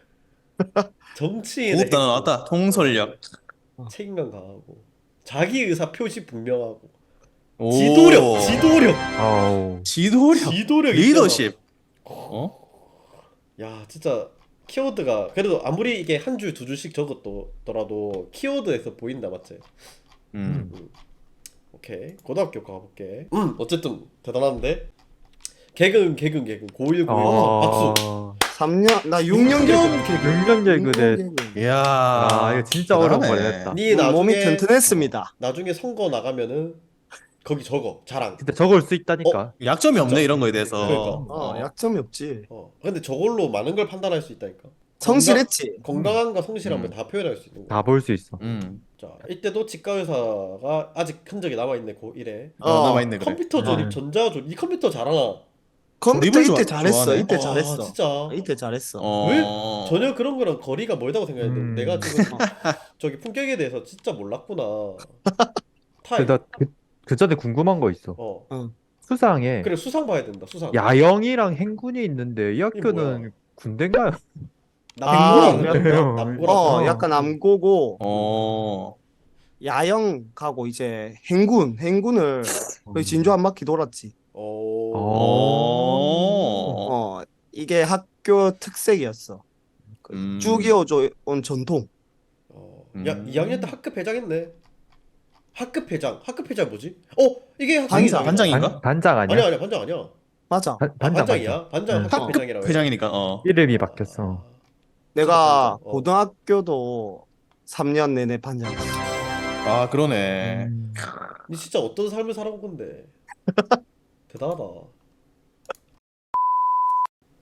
[SPEAKER 2] 정치인의
[SPEAKER 5] 고급 단어
[SPEAKER 2] 핵심.
[SPEAKER 5] 나왔다. 통솔력.
[SPEAKER 2] 책임감 강하고 자기 의사 표시 분명하고
[SPEAKER 5] 오.
[SPEAKER 2] 지도력 지도력
[SPEAKER 4] 아우.
[SPEAKER 5] 지도력.
[SPEAKER 2] 지도력
[SPEAKER 5] 리더십. 어?
[SPEAKER 2] 야 진짜 키워드가 그래도 아무리 이게 한 줄 두 줄씩 적었더라도 키워드에서 보인다 맞지?
[SPEAKER 5] 음.
[SPEAKER 2] 오케이 고등학교 가볼게. 음 어쨌든 대단한데 개근 개근 개근 고일 고일 박수.
[SPEAKER 4] 아.
[SPEAKER 1] 삼 년, 나 육 년
[SPEAKER 2] 개근.
[SPEAKER 1] 개그.
[SPEAKER 4] 육 년 개그대.
[SPEAKER 1] 개그.
[SPEAKER 5] 이야.
[SPEAKER 4] 아, 이거 진짜 어려운
[SPEAKER 5] 대단하네.
[SPEAKER 4] 걸 했다.
[SPEAKER 2] 니
[SPEAKER 1] 몸이
[SPEAKER 2] 나중에
[SPEAKER 1] 튼튼했습니다.
[SPEAKER 2] 나중에 선거 나가면은 거기 적어 자랑.
[SPEAKER 4] 근데 적을 수 있다니까.
[SPEAKER 5] 약점이 없네 이런 거에 대해서.
[SPEAKER 2] 그러니까.
[SPEAKER 1] 어, 약점이 없지.
[SPEAKER 2] 어 근데 저걸로 많은 걸 판단할 수 있다니까.
[SPEAKER 1] 성실했지.
[SPEAKER 2] 건강함과 성실함을
[SPEAKER 5] 음.
[SPEAKER 2] 다 표현할 수 있는 거.
[SPEAKER 4] 다 볼 수 있어.
[SPEAKER 5] 음.
[SPEAKER 2] 자 이때도 치과 의사가 아직 흔적이 남아 있네 고일에.
[SPEAKER 5] 어,
[SPEAKER 1] 어,
[SPEAKER 5] 남아있네 그래.
[SPEAKER 2] 컴퓨터 조립,
[SPEAKER 4] 음.
[SPEAKER 2] 전자 조립. 이 컴퓨터 잘하나?
[SPEAKER 1] 컴퓨터
[SPEAKER 5] 조립을
[SPEAKER 1] 이때
[SPEAKER 5] 좋아-
[SPEAKER 1] 잘했어.
[SPEAKER 5] 좋아하네.
[SPEAKER 1] 이때
[SPEAKER 2] 아,
[SPEAKER 1] 잘했어.
[SPEAKER 2] 진짜.
[SPEAKER 1] 이때 잘했어.
[SPEAKER 5] 어.
[SPEAKER 2] 왜 전혀 그런 거랑 거리가 멀다고 생각했는데
[SPEAKER 4] 음.
[SPEAKER 2] 내가 지금 저기 품격에 대해서 진짜 몰랐구나. 타입.
[SPEAKER 4] 근데 나 그, 그 전에 궁금한 거 있어.
[SPEAKER 2] 어.
[SPEAKER 4] 수상에
[SPEAKER 2] 그래 수상 봐야 된다. 수상.
[SPEAKER 4] 야영이랑 행군이 있는데 이
[SPEAKER 2] 뭐야?
[SPEAKER 4] 학교는 군대인가요?
[SPEAKER 1] 아,
[SPEAKER 2] 남고랑
[SPEAKER 4] 그래?
[SPEAKER 2] 남고랑.
[SPEAKER 1] 어,
[SPEAKER 4] 어.
[SPEAKER 1] 약간 남고고
[SPEAKER 5] 어.
[SPEAKER 1] 야영 가고 이제 행군, 행군을 거의 진주 한 바퀴 돌았지.
[SPEAKER 2] 오.
[SPEAKER 5] 어.
[SPEAKER 1] 어, 이게 학교 특색이었어. 그
[SPEAKER 5] 음.
[SPEAKER 1] 쭉 이어져 온 전통.
[SPEAKER 2] 어.
[SPEAKER 5] 음.
[SPEAKER 2] 야, 이 학년 때 학급 회장했네. 학급 회장. 학급 회장 뭐지? 어, 이게 학생이다.
[SPEAKER 1] 반장.
[SPEAKER 5] 반장인가?
[SPEAKER 4] 반, 반장 아니야?
[SPEAKER 2] 아니야, 아니야. 반장 아니야.
[SPEAKER 1] 맞아.
[SPEAKER 4] 반,
[SPEAKER 2] 아,
[SPEAKER 4] 반장,
[SPEAKER 2] 반장이야. 반장
[SPEAKER 4] 응.
[SPEAKER 2] 학급
[SPEAKER 5] 학급
[SPEAKER 2] 회장이라고. 해.
[SPEAKER 5] 회장이니까 어.
[SPEAKER 4] 이름이 바뀌었어.
[SPEAKER 1] 내가
[SPEAKER 2] 어.
[SPEAKER 1] 고등학교도 삼 년 내내 반장이었어.
[SPEAKER 5] 아 그러네.
[SPEAKER 4] 음.
[SPEAKER 2] 니 진짜 어떤 삶을 살아온 건데. 대단하다.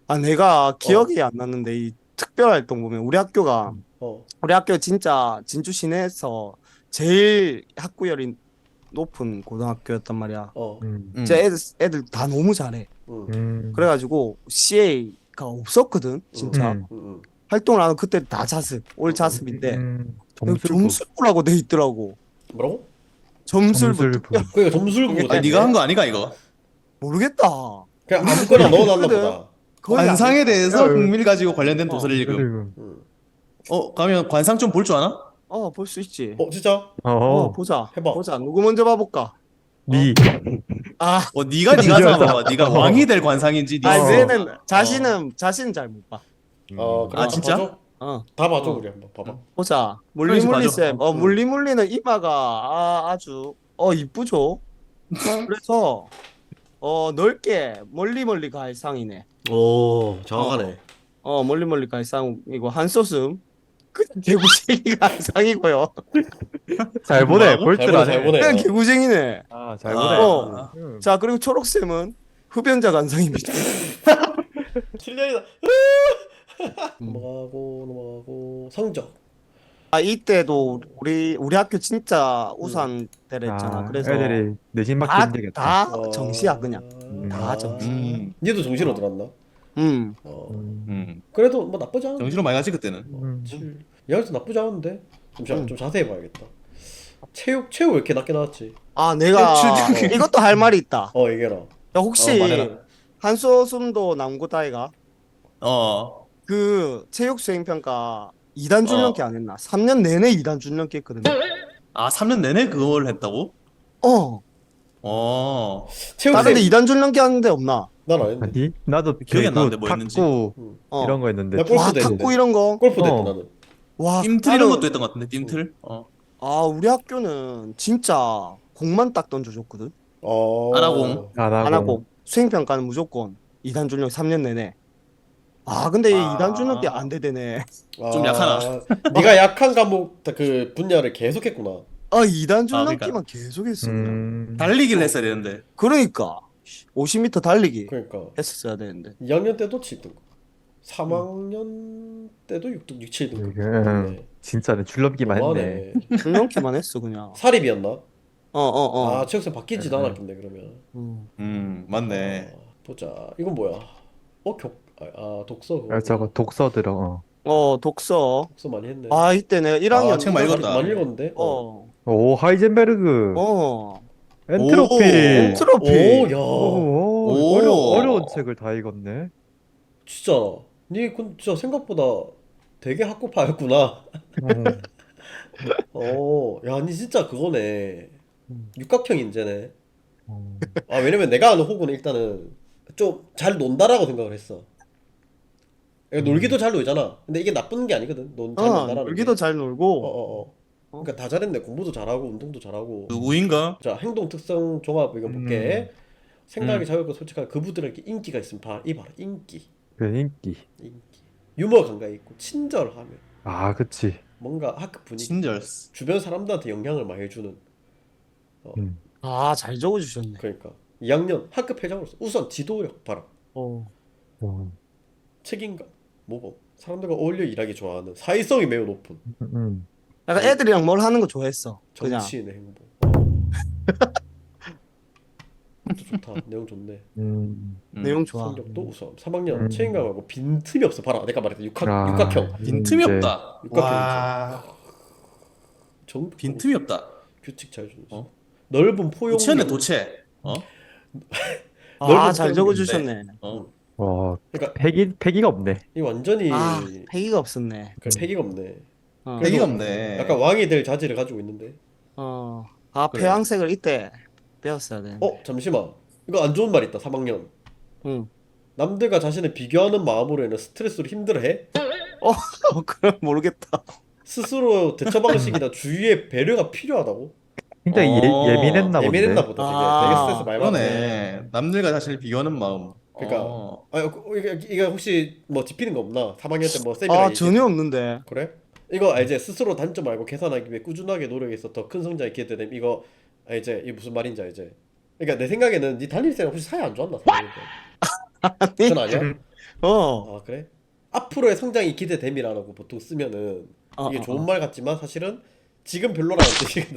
[SPEAKER 1] 아, 내가 기억이 안 났는데 이 특별활동 보면 우리 학교가
[SPEAKER 2] 어.
[SPEAKER 1] 우리 학교 진짜 진주 시내에서 제일 학구열이 높은 고등학교였단 말이야.
[SPEAKER 2] 어.
[SPEAKER 4] 음.
[SPEAKER 5] 음.
[SPEAKER 1] 진짜 애들 애들 다 너무 잘해.
[SPEAKER 2] 응.
[SPEAKER 4] 음.
[SPEAKER 1] 그래가지고 씨에이가 없었거든 진짜.
[SPEAKER 4] 음.
[SPEAKER 2] 응. 응.
[SPEAKER 1] 활동을 하는 그때 다 자습 올 자습인데
[SPEAKER 4] 음.
[SPEAKER 1] 점수
[SPEAKER 4] 점술부.
[SPEAKER 1] 점술부라고 돼 있더라고.
[SPEAKER 2] 뭐라고?
[SPEAKER 1] 점술부
[SPEAKER 4] 점술부.
[SPEAKER 1] 특별
[SPEAKER 2] 그러니까 점술부
[SPEAKER 1] 아,
[SPEAKER 5] 아, 네가 한 거 아니가 이거?
[SPEAKER 1] 모르겠다.
[SPEAKER 2] 그냥
[SPEAKER 1] 우리는
[SPEAKER 2] 아무거나
[SPEAKER 1] 그냥
[SPEAKER 2] 넣어놨나
[SPEAKER 1] 했거든.
[SPEAKER 2] 보다.
[SPEAKER 1] 거의 안
[SPEAKER 5] 관상에
[SPEAKER 1] 했어.
[SPEAKER 5] 대해서
[SPEAKER 4] 야,
[SPEAKER 5] 흥미를 가지고 관련된
[SPEAKER 1] 어,
[SPEAKER 5] 도서를 읽음.
[SPEAKER 4] 지금.
[SPEAKER 2] 응.
[SPEAKER 5] 어, 가면 관상 좀 볼 줄 아나?
[SPEAKER 1] 어, 볼 수 있지.
[SPEAKER 2] 어 진짜?
[SPEAKER 1] 어,
[SPEAKER 4] 어.
[SPEAKER 1] 보자.
[SPEAKER 2] 해봐.
[SPEAKER 1] 보자. 누구 먼저 봐볼까?
[SPEAKER 4] 니.
[SPEAKER 1] 아,
[SPEAKER 5] 어, 네가 네가
[SPEAKER 4] 네가
[SPEAKER 5] 잡아봐. 네가
[SPEAKER 4] 잡아.
[SPEAKER 5] 왕이 될 관상인지
[SPEAKER 1] 아,
[SPEAKER 5] 네가
[SPEAKER 4] 어.
[SPEAKER 1] 얘는 자신은 자신은 잘 못 봐.
[SPEAKER 2] 어 그래.
[SPEAKER 5] 아, 진짜?
[SPEAKER 2] 봐줘?
[SPEAKER 1] 어,
[SPEAKER 2] 다 봐줘
[SPEAKER 1] 어.
[SPEAKER 2] 우리 한번 봐봐.
[SPEAKER 1] 보자.
[SPEAKER 5] 그러지,
[SPEAKER 1] 물리물리
[SPEAKER 5] 봐줘.
[SPEAKER 1] 쌤. 어,
[SPEAKER 2] 응.
[SPEAKER 1] 물리물리는 이마가 아, 아주 어 이쁘죠. 그래서 어 넓게 멀리 멀리 갈 상이네.
[SPEAKER 2] 오 정확하네.
[SPEAKER 1] 어, 멀리 멀리 갈 상이고 한소슴 그 개구쟁이가 한 상이고요.
[SPEAKER 4] 잘 보네.
[SPEAKER 5] 뭐라고?
[SPEAKER 4] 볼
[SPEAKER 2] 잘
[SPEAKER 4] 줄
[SPEAKER 2] 보네
[SPEAKER 4] 아네.
[SPEAKER 2] 잘 보네.
[SPEAKER 1] 그냥
[SPEAKER 2] 어.
[SPEAKER 1] 개구쟁이네.
[SPEAKER 4] 아, 잘
[SPEAKER 5] 아.
[SPEAKER 4] 보네.
[SPEAKER 1] 어.
[SPEAKER 4] 음.
[SPEAKER 1] 자, 그리고 초록쌤은 흡연자 관상입니다.
[SPEAKER 2] 칠년이다.
[SPEAKER 1] 음.
[SPEAKER 2] 넘어가고 넘어가고 성적.
[SPEAKER 1] 아, 이때도 우리 우리 학교 진짜 우산 대랬잖아.
[SPEAKER 4] 아,
[SPEAKER 1] 그래서
[SPEAKER 4] 애들이 내신 받기
[SPEAKER 1] 다,
[SPEAKER 4] 힘들겠다.
[SPEAKER 1] 다 정시야 그냥.
[SPEAKER 2] 음.
[SPEAKER 1] 다 정시.
[SPEAKER 5] 음.
[SPEAKER 2] 니도 정시로
[SPEAKER 1] 어.
[SPEAKER 2] 들었나?
[SPEAKER 1] 음.
[SPEAKER 2] 어.
[SPEAKER 4] 음.
[SPEAKER 5] 음.
[SPEAKER 2] 그래도 뭐 나쁘지 않아.
[SPEAKER 5] 정신으로 많이 가지 그때는.
[SPEAKER 4] 음.
[SPEAKER 2] 칠. 야그래서 나쁘지 않은데. 좀, 자,
[SPEAKER 1] 음.
[SPEAKER 2] 좀 자세히 봐야겠다. 체육 체육 왜 이렇게 낮게 나왔지?
[SPEAKER 1] 아, 내가
[SPEAKER 5] 칠등.
[SPEAKER 1] 이것도 할 말이 있다.
[SPEAKER 2] 어 얘기해라.
[SPEAKER 1] 야, 혹시
[SPEAKER 5] 어, 말해라.
[SPEAKER 1] 한소숨도 남고다이가
[SPEAKER 5] 어.
[SPEAKER 1] 그 체육 수행 평가 이 단 줄넘기
[SPEAKER 5] 어.
[SPEAKER 1] 안 했나? 삼 년 내내 이 단 줄넘기 했거든요.
[SPEAKER 5] 아, 삼 년 내내 그걸 했다고?
[SPEAKER 1] 어.
[SPEAKER 5] 어.
[SPEAKER 2] 체육
[SPEAKER 1] 다른데
[SPEAKER 2] 쌤.
[SPEAKER 1] 이 단 줄넘기 하는데 없나?
[SPEAKER 2] 난안 했는데.
[SPEAKER 4] 아니? 나도
[SPEAKER 5] 기억이 안
[SPEAKER 4] 배구,
[SPEAKER 5] 나는데 뭐 했는지.
[SPEAKER 4] 탁구
[SPEAKER 2] 응.
[SPEAKER 1] 어.
[SPEAKER 4] 이런 거 했는데.
[SPEAKER 2] 나 골프도
[SPEAKER 1] 와,
[SPEAKER 2] 했는데.
[SPEAKER 1] 탁구 이런 거.
[SPEAKER 2] 골프도
[SPEAKER 4] 어.
[SPEAKER 2] 했다 나는.
[SPEAKER 1] 와,
[SPEAKER 5] 빔틀 이런
[SPEAKER 1] 나는-
[SPEAKER 5] 것도 했던 것 같은데 빔틀? 어.
[SPEAKER 1] 아, 우리 학교는 진짜 공만 딱 던져줬거든.
[SPEAKER 2] 어.
[SPEAKER 5] 아나공.
[SPEAKER 4] 안 하고.
[SPEAKER 1] 안 하고 수행 평가는 무조건 이 단 줄넘기 삼 년 내내. 아, 근데
[SPEAKER 5] 아.
[SPEAKER 1] 이 단 줄넘기 안 되대네.
[SPEAKER 5] 좀 약하나?
[SPEAKER 2] 네가 약한 과목 그 분야를 계속했구나.
[SPEAKER 1] 아, 이 단
[SPEAKER 5] 그러니까.
[SPEAKER 1] 줄넘기만 계속 했어. 그냥.
[SPEAKER 4] 음.
[SPEAKER 5] 달리기를 했어야 되는데.
[SPEAKER 1] 그러니까 오십 미터 달리기
[SPEAKER 2] 그러니까
[SPEAKER 1] 했었어야 되는데.
[SPEAKER 2] 이 학년 때도 칠 등급, 삼 학년 때도 육 등, 육, 칠 등급.
[SPEAKER 4] 이게 음, 진짜네. 줄넘기만 했네.
[SPEAKER 2] 너무하네.
[SPEAKER 1] 줄넘기만 했어 그냥.
[SPEAKER 2] 사립이었나?
[SPEAKER 1] 어, 어, 어.
[SPEAKER 2] 아 체육생 바뀌지도
[SPEAKER 4] 네.
[SPEAKER 2] 않았겠네 그러면.
[SPEAKER 1] 음.
[SPEAKER 5] 음, 맞네.
[SPEAKER 2] 아, 보자. 이건 뭐야? 어 격. 아, 아 독서 그거.
[SPEAKER 4] 아, 저거 독서 들어. 어.
[SPEAKER 1] 어, 독서.
[SPEAKER 2] 독서 많이 했네.
[SPEAKER 1] 아, 이때 내가 일 학년
[SPEAKER 5] 아, 책 많이 읽었다.
[SPEAKER 2] 많이 읽었는데. 어.
[SPEAKER 1] 어.
[SPEAKER 4] 오, 하이젠베르그.
[SPEAKER 1] 어.
[SPEAKER 4] 엔트로피.
[SPEAKER 5] 오,
[SPEAKER 1] 엔트로피.
[SPEAKER 2] 오, 야.
[SPEAKER 4] 오,
[SPEAKER 5] 오.
[SPEAKER 4] 어려, 어려운 책을 다 읽었네.
[SPEAKER 2] 진짜. 니 근 진짜 생각보다 되게 학구파였구나.
[SPEAKER 4] 어.
[SPEAKER 2] 어, 야, 니 진짜 그거네.
[SPEAKER 1] 음.
[SPEAKER 2] 육각형 인재네.
[SPEAKER 4] 어.
[SPEAKER 2] 아, 왜냐면 내가 아는 호구는 일단은 좀 잘 논다라고 생각을 했어. 그러니까 놀기도 잘 놀잖아. 근데 이게 나쁜 게 아니거든. 논, 잘
[SPEAKER 1] 어,
[SPEAKER 2] 논다라는
[SPEAKER 1] 놀기도
[SPEAKER 2] 게.
[SPEAKER 1] 잘
[SPEAKER 2] 어,
[SPEAKER 1] 놀고.
[SPEAKER 2] 어, 어. 그러니까 다 잘했네. 공부도 잘하고 운동도 잘하고.
[SPEAKER 5] 누구인가?
[SPEAKER 2] 자, 행동 특성 종합 이거 볼게. 생각이
[SPEAKER 5] 음.
[SPEAKER 2] 자유롭고 솔직한 그분들에게 인기가 있으면 봐. 이 봐라. 인기.
[SPEAKER 4] 그 인기.
[SPEAKER 2] 인기. 유머 감각이 있고 친절하며
[SPEAKER 4] 아, 그치.
[SPEAKER 2] 뭔가 학교 분위기
[SPEAKER 5] 친절스.
[SPEAKER 2] 주변 사람들한테 영향을 많이 주는.
[SPEAKER 4] 음.
[SPEAKER 1] 아, 잘 적어주셨네.
[SPEAKER 2] 그러니까 이 학년 학급 회장으로서 우선 지도력 봐라.
[SPEAKER 1] 어.
[SPEAKER 4] 어.
[SPEAKER 2] 책임감, 모범, 사람들과 어울려 일하기 좋아하는 사회성이 매우 높은
[SPEAKER 4] 음.
[SPEAKER 1] 약간 애들이랑 뭘 하는 거 좋아했어. 그냥.
[SPEAKER 2] 정치인의 행보. 그것도 좋다. 내용 좋네.
[SPEAKER 4] 음.
[SPEAKER 5] 음.
[SPEAKER 1] 내용 좋아.
[SPEAKER 2] 성적도 우수함. 삼 학년
[SPEAKER 4] 음.
[SPEAKER 2] 책임감하고 빈틈이 없어. 봐라. 내가 말했다. 육학
[SPEAKER 4] 아,
[SPEAKER 2] 육각형.
[SPEAKER 5] 빈틈이
[SPEAKER 4] 이제
[SPEAKER 5] 없다.
[SPEAKER 2] 육각형
[SPEAKER 5] 와.
[SPEAKER 2] 정
[SPEAKER 5] 빈틈이 없다.
[SPEAKER 2] 규칙 잘 주는.
[SPEAKER 5] 어?
[SPEAKER 2] 넓은 포용.
[SPEAKER 5] 도체네 도체. 어?
[SPEAKER 1] 아,
[SPEAKER 2] 넓은
[SPEAKER 1] 잘
[SPEAKER 2] 포용인데.
[SPEAKER 1] 적어주셨네.
[SPEAKER 5] 어.
[SPEAKER 4] 와,
[SPEAKER 2] 그러니까
[SPEAKER 4] 패기, 패기가 없네.
[SPEAKER 2] 이 완전히
[SPEAKER 1] 아, 패기가 없었네.
[SPEAKER 2] 그 패기가 없네.
[SPEAKER 1] 어.
[SPEAKER 5] 패기가 없네.
[SPEAKER 2] 약간 왕이 될 자질을 가지고 있는데.
[SPEAKER 1] 어. 아,
[SPEAKER 5] 그래.
[SPEAKER 1] 폐왕색을 이때 배웠어야 되는데.
[SPEAKER 2] 어 잠시만. 이거 안 좋은 말 있다. 삼 학년.
[SPEAKER 1] 응.
[SPEAKER 2] 남들과 자신을 비교하는 마음으로 인해 스트레스로 힘들어해.
[SPEAKER 1] 어, 그럼 모르겠다.
[SPEAKER 2] 스스로 대처 방식이나 주위의 배려가 필요하다고?
[SPEAKER 4] 굉장히
[SPEAKER 5] 어,
[SPEAKER 4] 예, 예민했나 본데.
[SPEAKER 2] 예민했나 보다. 되게
[SPEAKER 1] 아,
[SPEAKER 2] 되게 스트레스 많이 받네.
[SPEAKER 5] 그러네. 남들과 자신을 비교하는 마음.
[SPEAKER 2] 그러니까
[SPEAKER 5] 어.
[SPEAKER 2] 아 이게, 이게 혹시 뭐 짚히는 거 없나? 삼 학년 때 뭐 쌤이랑
[SPEAKER 1] 아,
[SPEAKER 2] 얘기-
[SPEAKER 1] 전혀 없는데.
[SPEAKER 2] 그래? 이거 알지? 스스로 단점 알고 개선하기 위해 꾸준하게 노력해서 더 큰 성장에 기여되는 이거 알지? 이게 무슨 말인지 알지? 그러니까 내 생각에는 네 담임쌤 혹시 사이 안 좋았나? 삼 학년 때.
[SPEAKER 1] 아니,
[SPEAKER 2] 그건 아니야?
[SPEAKER 1] 어.
[SPEAKER 2] 아 그래? 앞으로의 성장이 기대됨이라고 보통 쓰면은
[SPEAKER 1] 어,
[SPEAKER 2] 이게
[SPEAKER 1] 어,
[SPEAKER 2] 좋은
[SPEAKER 1] 어.
[SPEAKER 2] 말 같지만 사실은 지금 별로라는 뜻이거든.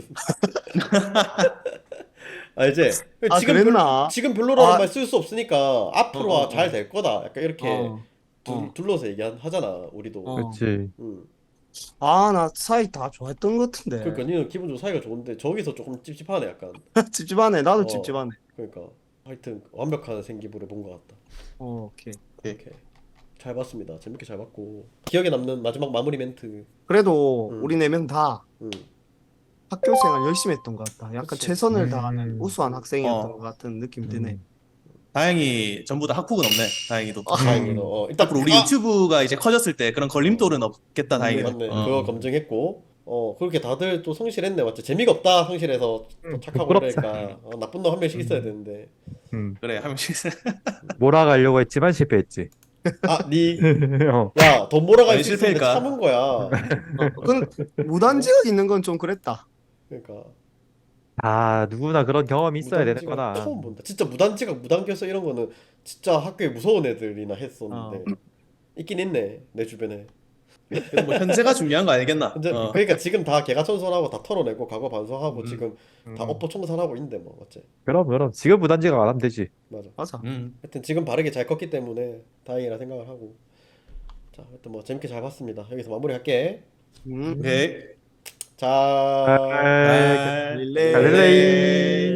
[SPEAKER 2] 알지?
[SPEAKER 1] 아,
[SPEAKER 2] 지금 별
[SPEAKER 1] 그랬나?
[SPEAKER 2] 지금 별로라는
[SPEAKER 1] 아,
[SPEAKER 2] 말 쓸 수 없으니까
[SPEAKER 1] 어,
[SPEAKER 2] 앞으로와
[SPEAKER 1] 어,
[SPEAKER 2] 잘
[SPEAKER 1] 어.
[SPEAKER 2] 될 거다. 약간 이렇게
[SPEAKER 1] 어.
[SPEAKER 2] 둘,
[SPEAKER 1] 어.
[SPEAKER 2] 둘러서 얘기하잖아 우리도.
[SPEAKER 1] 어.
[SPEAKER 4] 그렇지.
[SPEAKER 2] 음.
[SPEAKER 1] 아, 나 사이 다 좋아했던 것
[SPEAKER 2] 그러니까
[SPEAKER 1] 같은데.
[SPEAKER 2] 니는 기분 좋고 사이가 좋은데 저기서 조금 찝찝하네 약간.
[SPEAKER 1] 찝찝하네. 나도
[SPEAKER 2] 어.
[SPEAKER 1] 찝찝하네.
[SPEAKER 2] 그러니까 하여튼 완벽한 생기부를 본 것 같다.
[SPEAKER 1] 어, 오케이.
[SPEAKER 2] 오케이. 잘 봤습니다. 재밌게 잘 봤고 기억에 남는 마지막 마무리 멘트.
[SPEAKER 1] 그래도
[SPEAKER 2] 음.
[SPEAKER 1] 우리 네 명 다
[SPEAKER 2] 음.
[SPEAKER 1] 학교 생활 열심히 했던 것 같다. 약간
[SPEAKER 2] 그치.
[SPEAKER 1] 최선을
[SPEAKER 4] 음.
[SPEAKER 1] 다하는 우수한 학생이었던
[SPEAKER 5] 어.
[SPEAKER 1] 것 같은 느낌이 드네.
[SPEAKER 4] 음.
[SPEAKER 5] 다행히 전부 다 학폭은 없네. 다행히도.
[SPEAKER 1] 아,
[SPEAKER 2] 다행히도 어, 일단
[SPEAKER 5] 앞으로 우리
[SPEAKER 2] 아!
[SPEAKER 5] 유튜브가 이제 커졌을 때 그런 걸림돌은 없겠다.
[SPEAKER 1] 맞네,
[SPEAKER 5] 다행이네.
[SPEAKER 2] 맞네.
[SPEAKER 5] 어.
[SPEAKER 2] 그거 검증했고 어 그렇게 다들 또 성실했네. 맞지? 재미가 없다 성실해서 또
[SPEAKER 4] 음,
[SPEAKER 2] 착하고
[SPEAKER 4] 부끄럽다.
[SPEAKER 2] 그러니까 어, 나쁜 놈 한 명씩 있어야
[SPEAKER 4] 음.
[SPEAKER 2] 되는데
[SPEAKER 4] 음.
[SPEAKER 5] 그래 한 명씩.
[SPEAKER 4] 몰아가려고 했지만 실패했지. 어.
[SPEAKER 2] 아니야돈 몰아갈
[SPEAKER 5] 아니,
[SPEAKER 2] 수 있었는데
[SPEAKER 5] 실패니까.
[SPEAKER 2] 참은 거야.
[SPEAKER 1] 어, 그 무단지가 있는 건 좀 그랬다.
[SPEAKER 2] 그러니까
[SPEAKER 4] 아, 누구나 그런 경험이 있어야 되는
[SPEAKER 2] 무단지각
[SPEAKER 4] 거다.
[SPEAKER 2] 처음 본다. 진짜 무단지각 무단결석 이런 거는 진짜 학교에 무서운 애들이나 했었는데 있긴 있네 내 주변에.
[SPEAKER 5] 그래도 뭐 현재가 중요한 거 아니겠나?
[SPEAKER 2] 근데
[SPEAKER 5] 어.
[SPEAKER 2] 그러니까 지금 다 개가천선하고 다 털어내고 과거 반성하고
[SPEAKER 5] 음.
[SPEAKER 2] 지금 다
[SPEAKER 4] 음.
[SPEAKER 2] 업보 청산하고 있는데 뭐 맞지?
[SPEAKER 4] 그럼 그럼 지금 무단지각 안 하면 되지.
[SPEAKER 2] 맞아.
[SPEAKER 1] 맞아.
[SPEAKER 5] 음.
[SPEAKER 2] 하여튼 지금 바르게 잘 컸기 때문에 다행이라 생각을 하고 자 하여튼 뭐 재밌게 잘 봤습니다. 여기서 마무리할게.
[SPEAKER 1] 음.
[SPEAKER 5] 오케이.
[SPEAKER 2] 자
[SPEAKER 4] 아,
[SPEAKER 5] 아,
[SPEAKER 1] 갈릴레이.
[SPEAKER 4] 갈릴레이.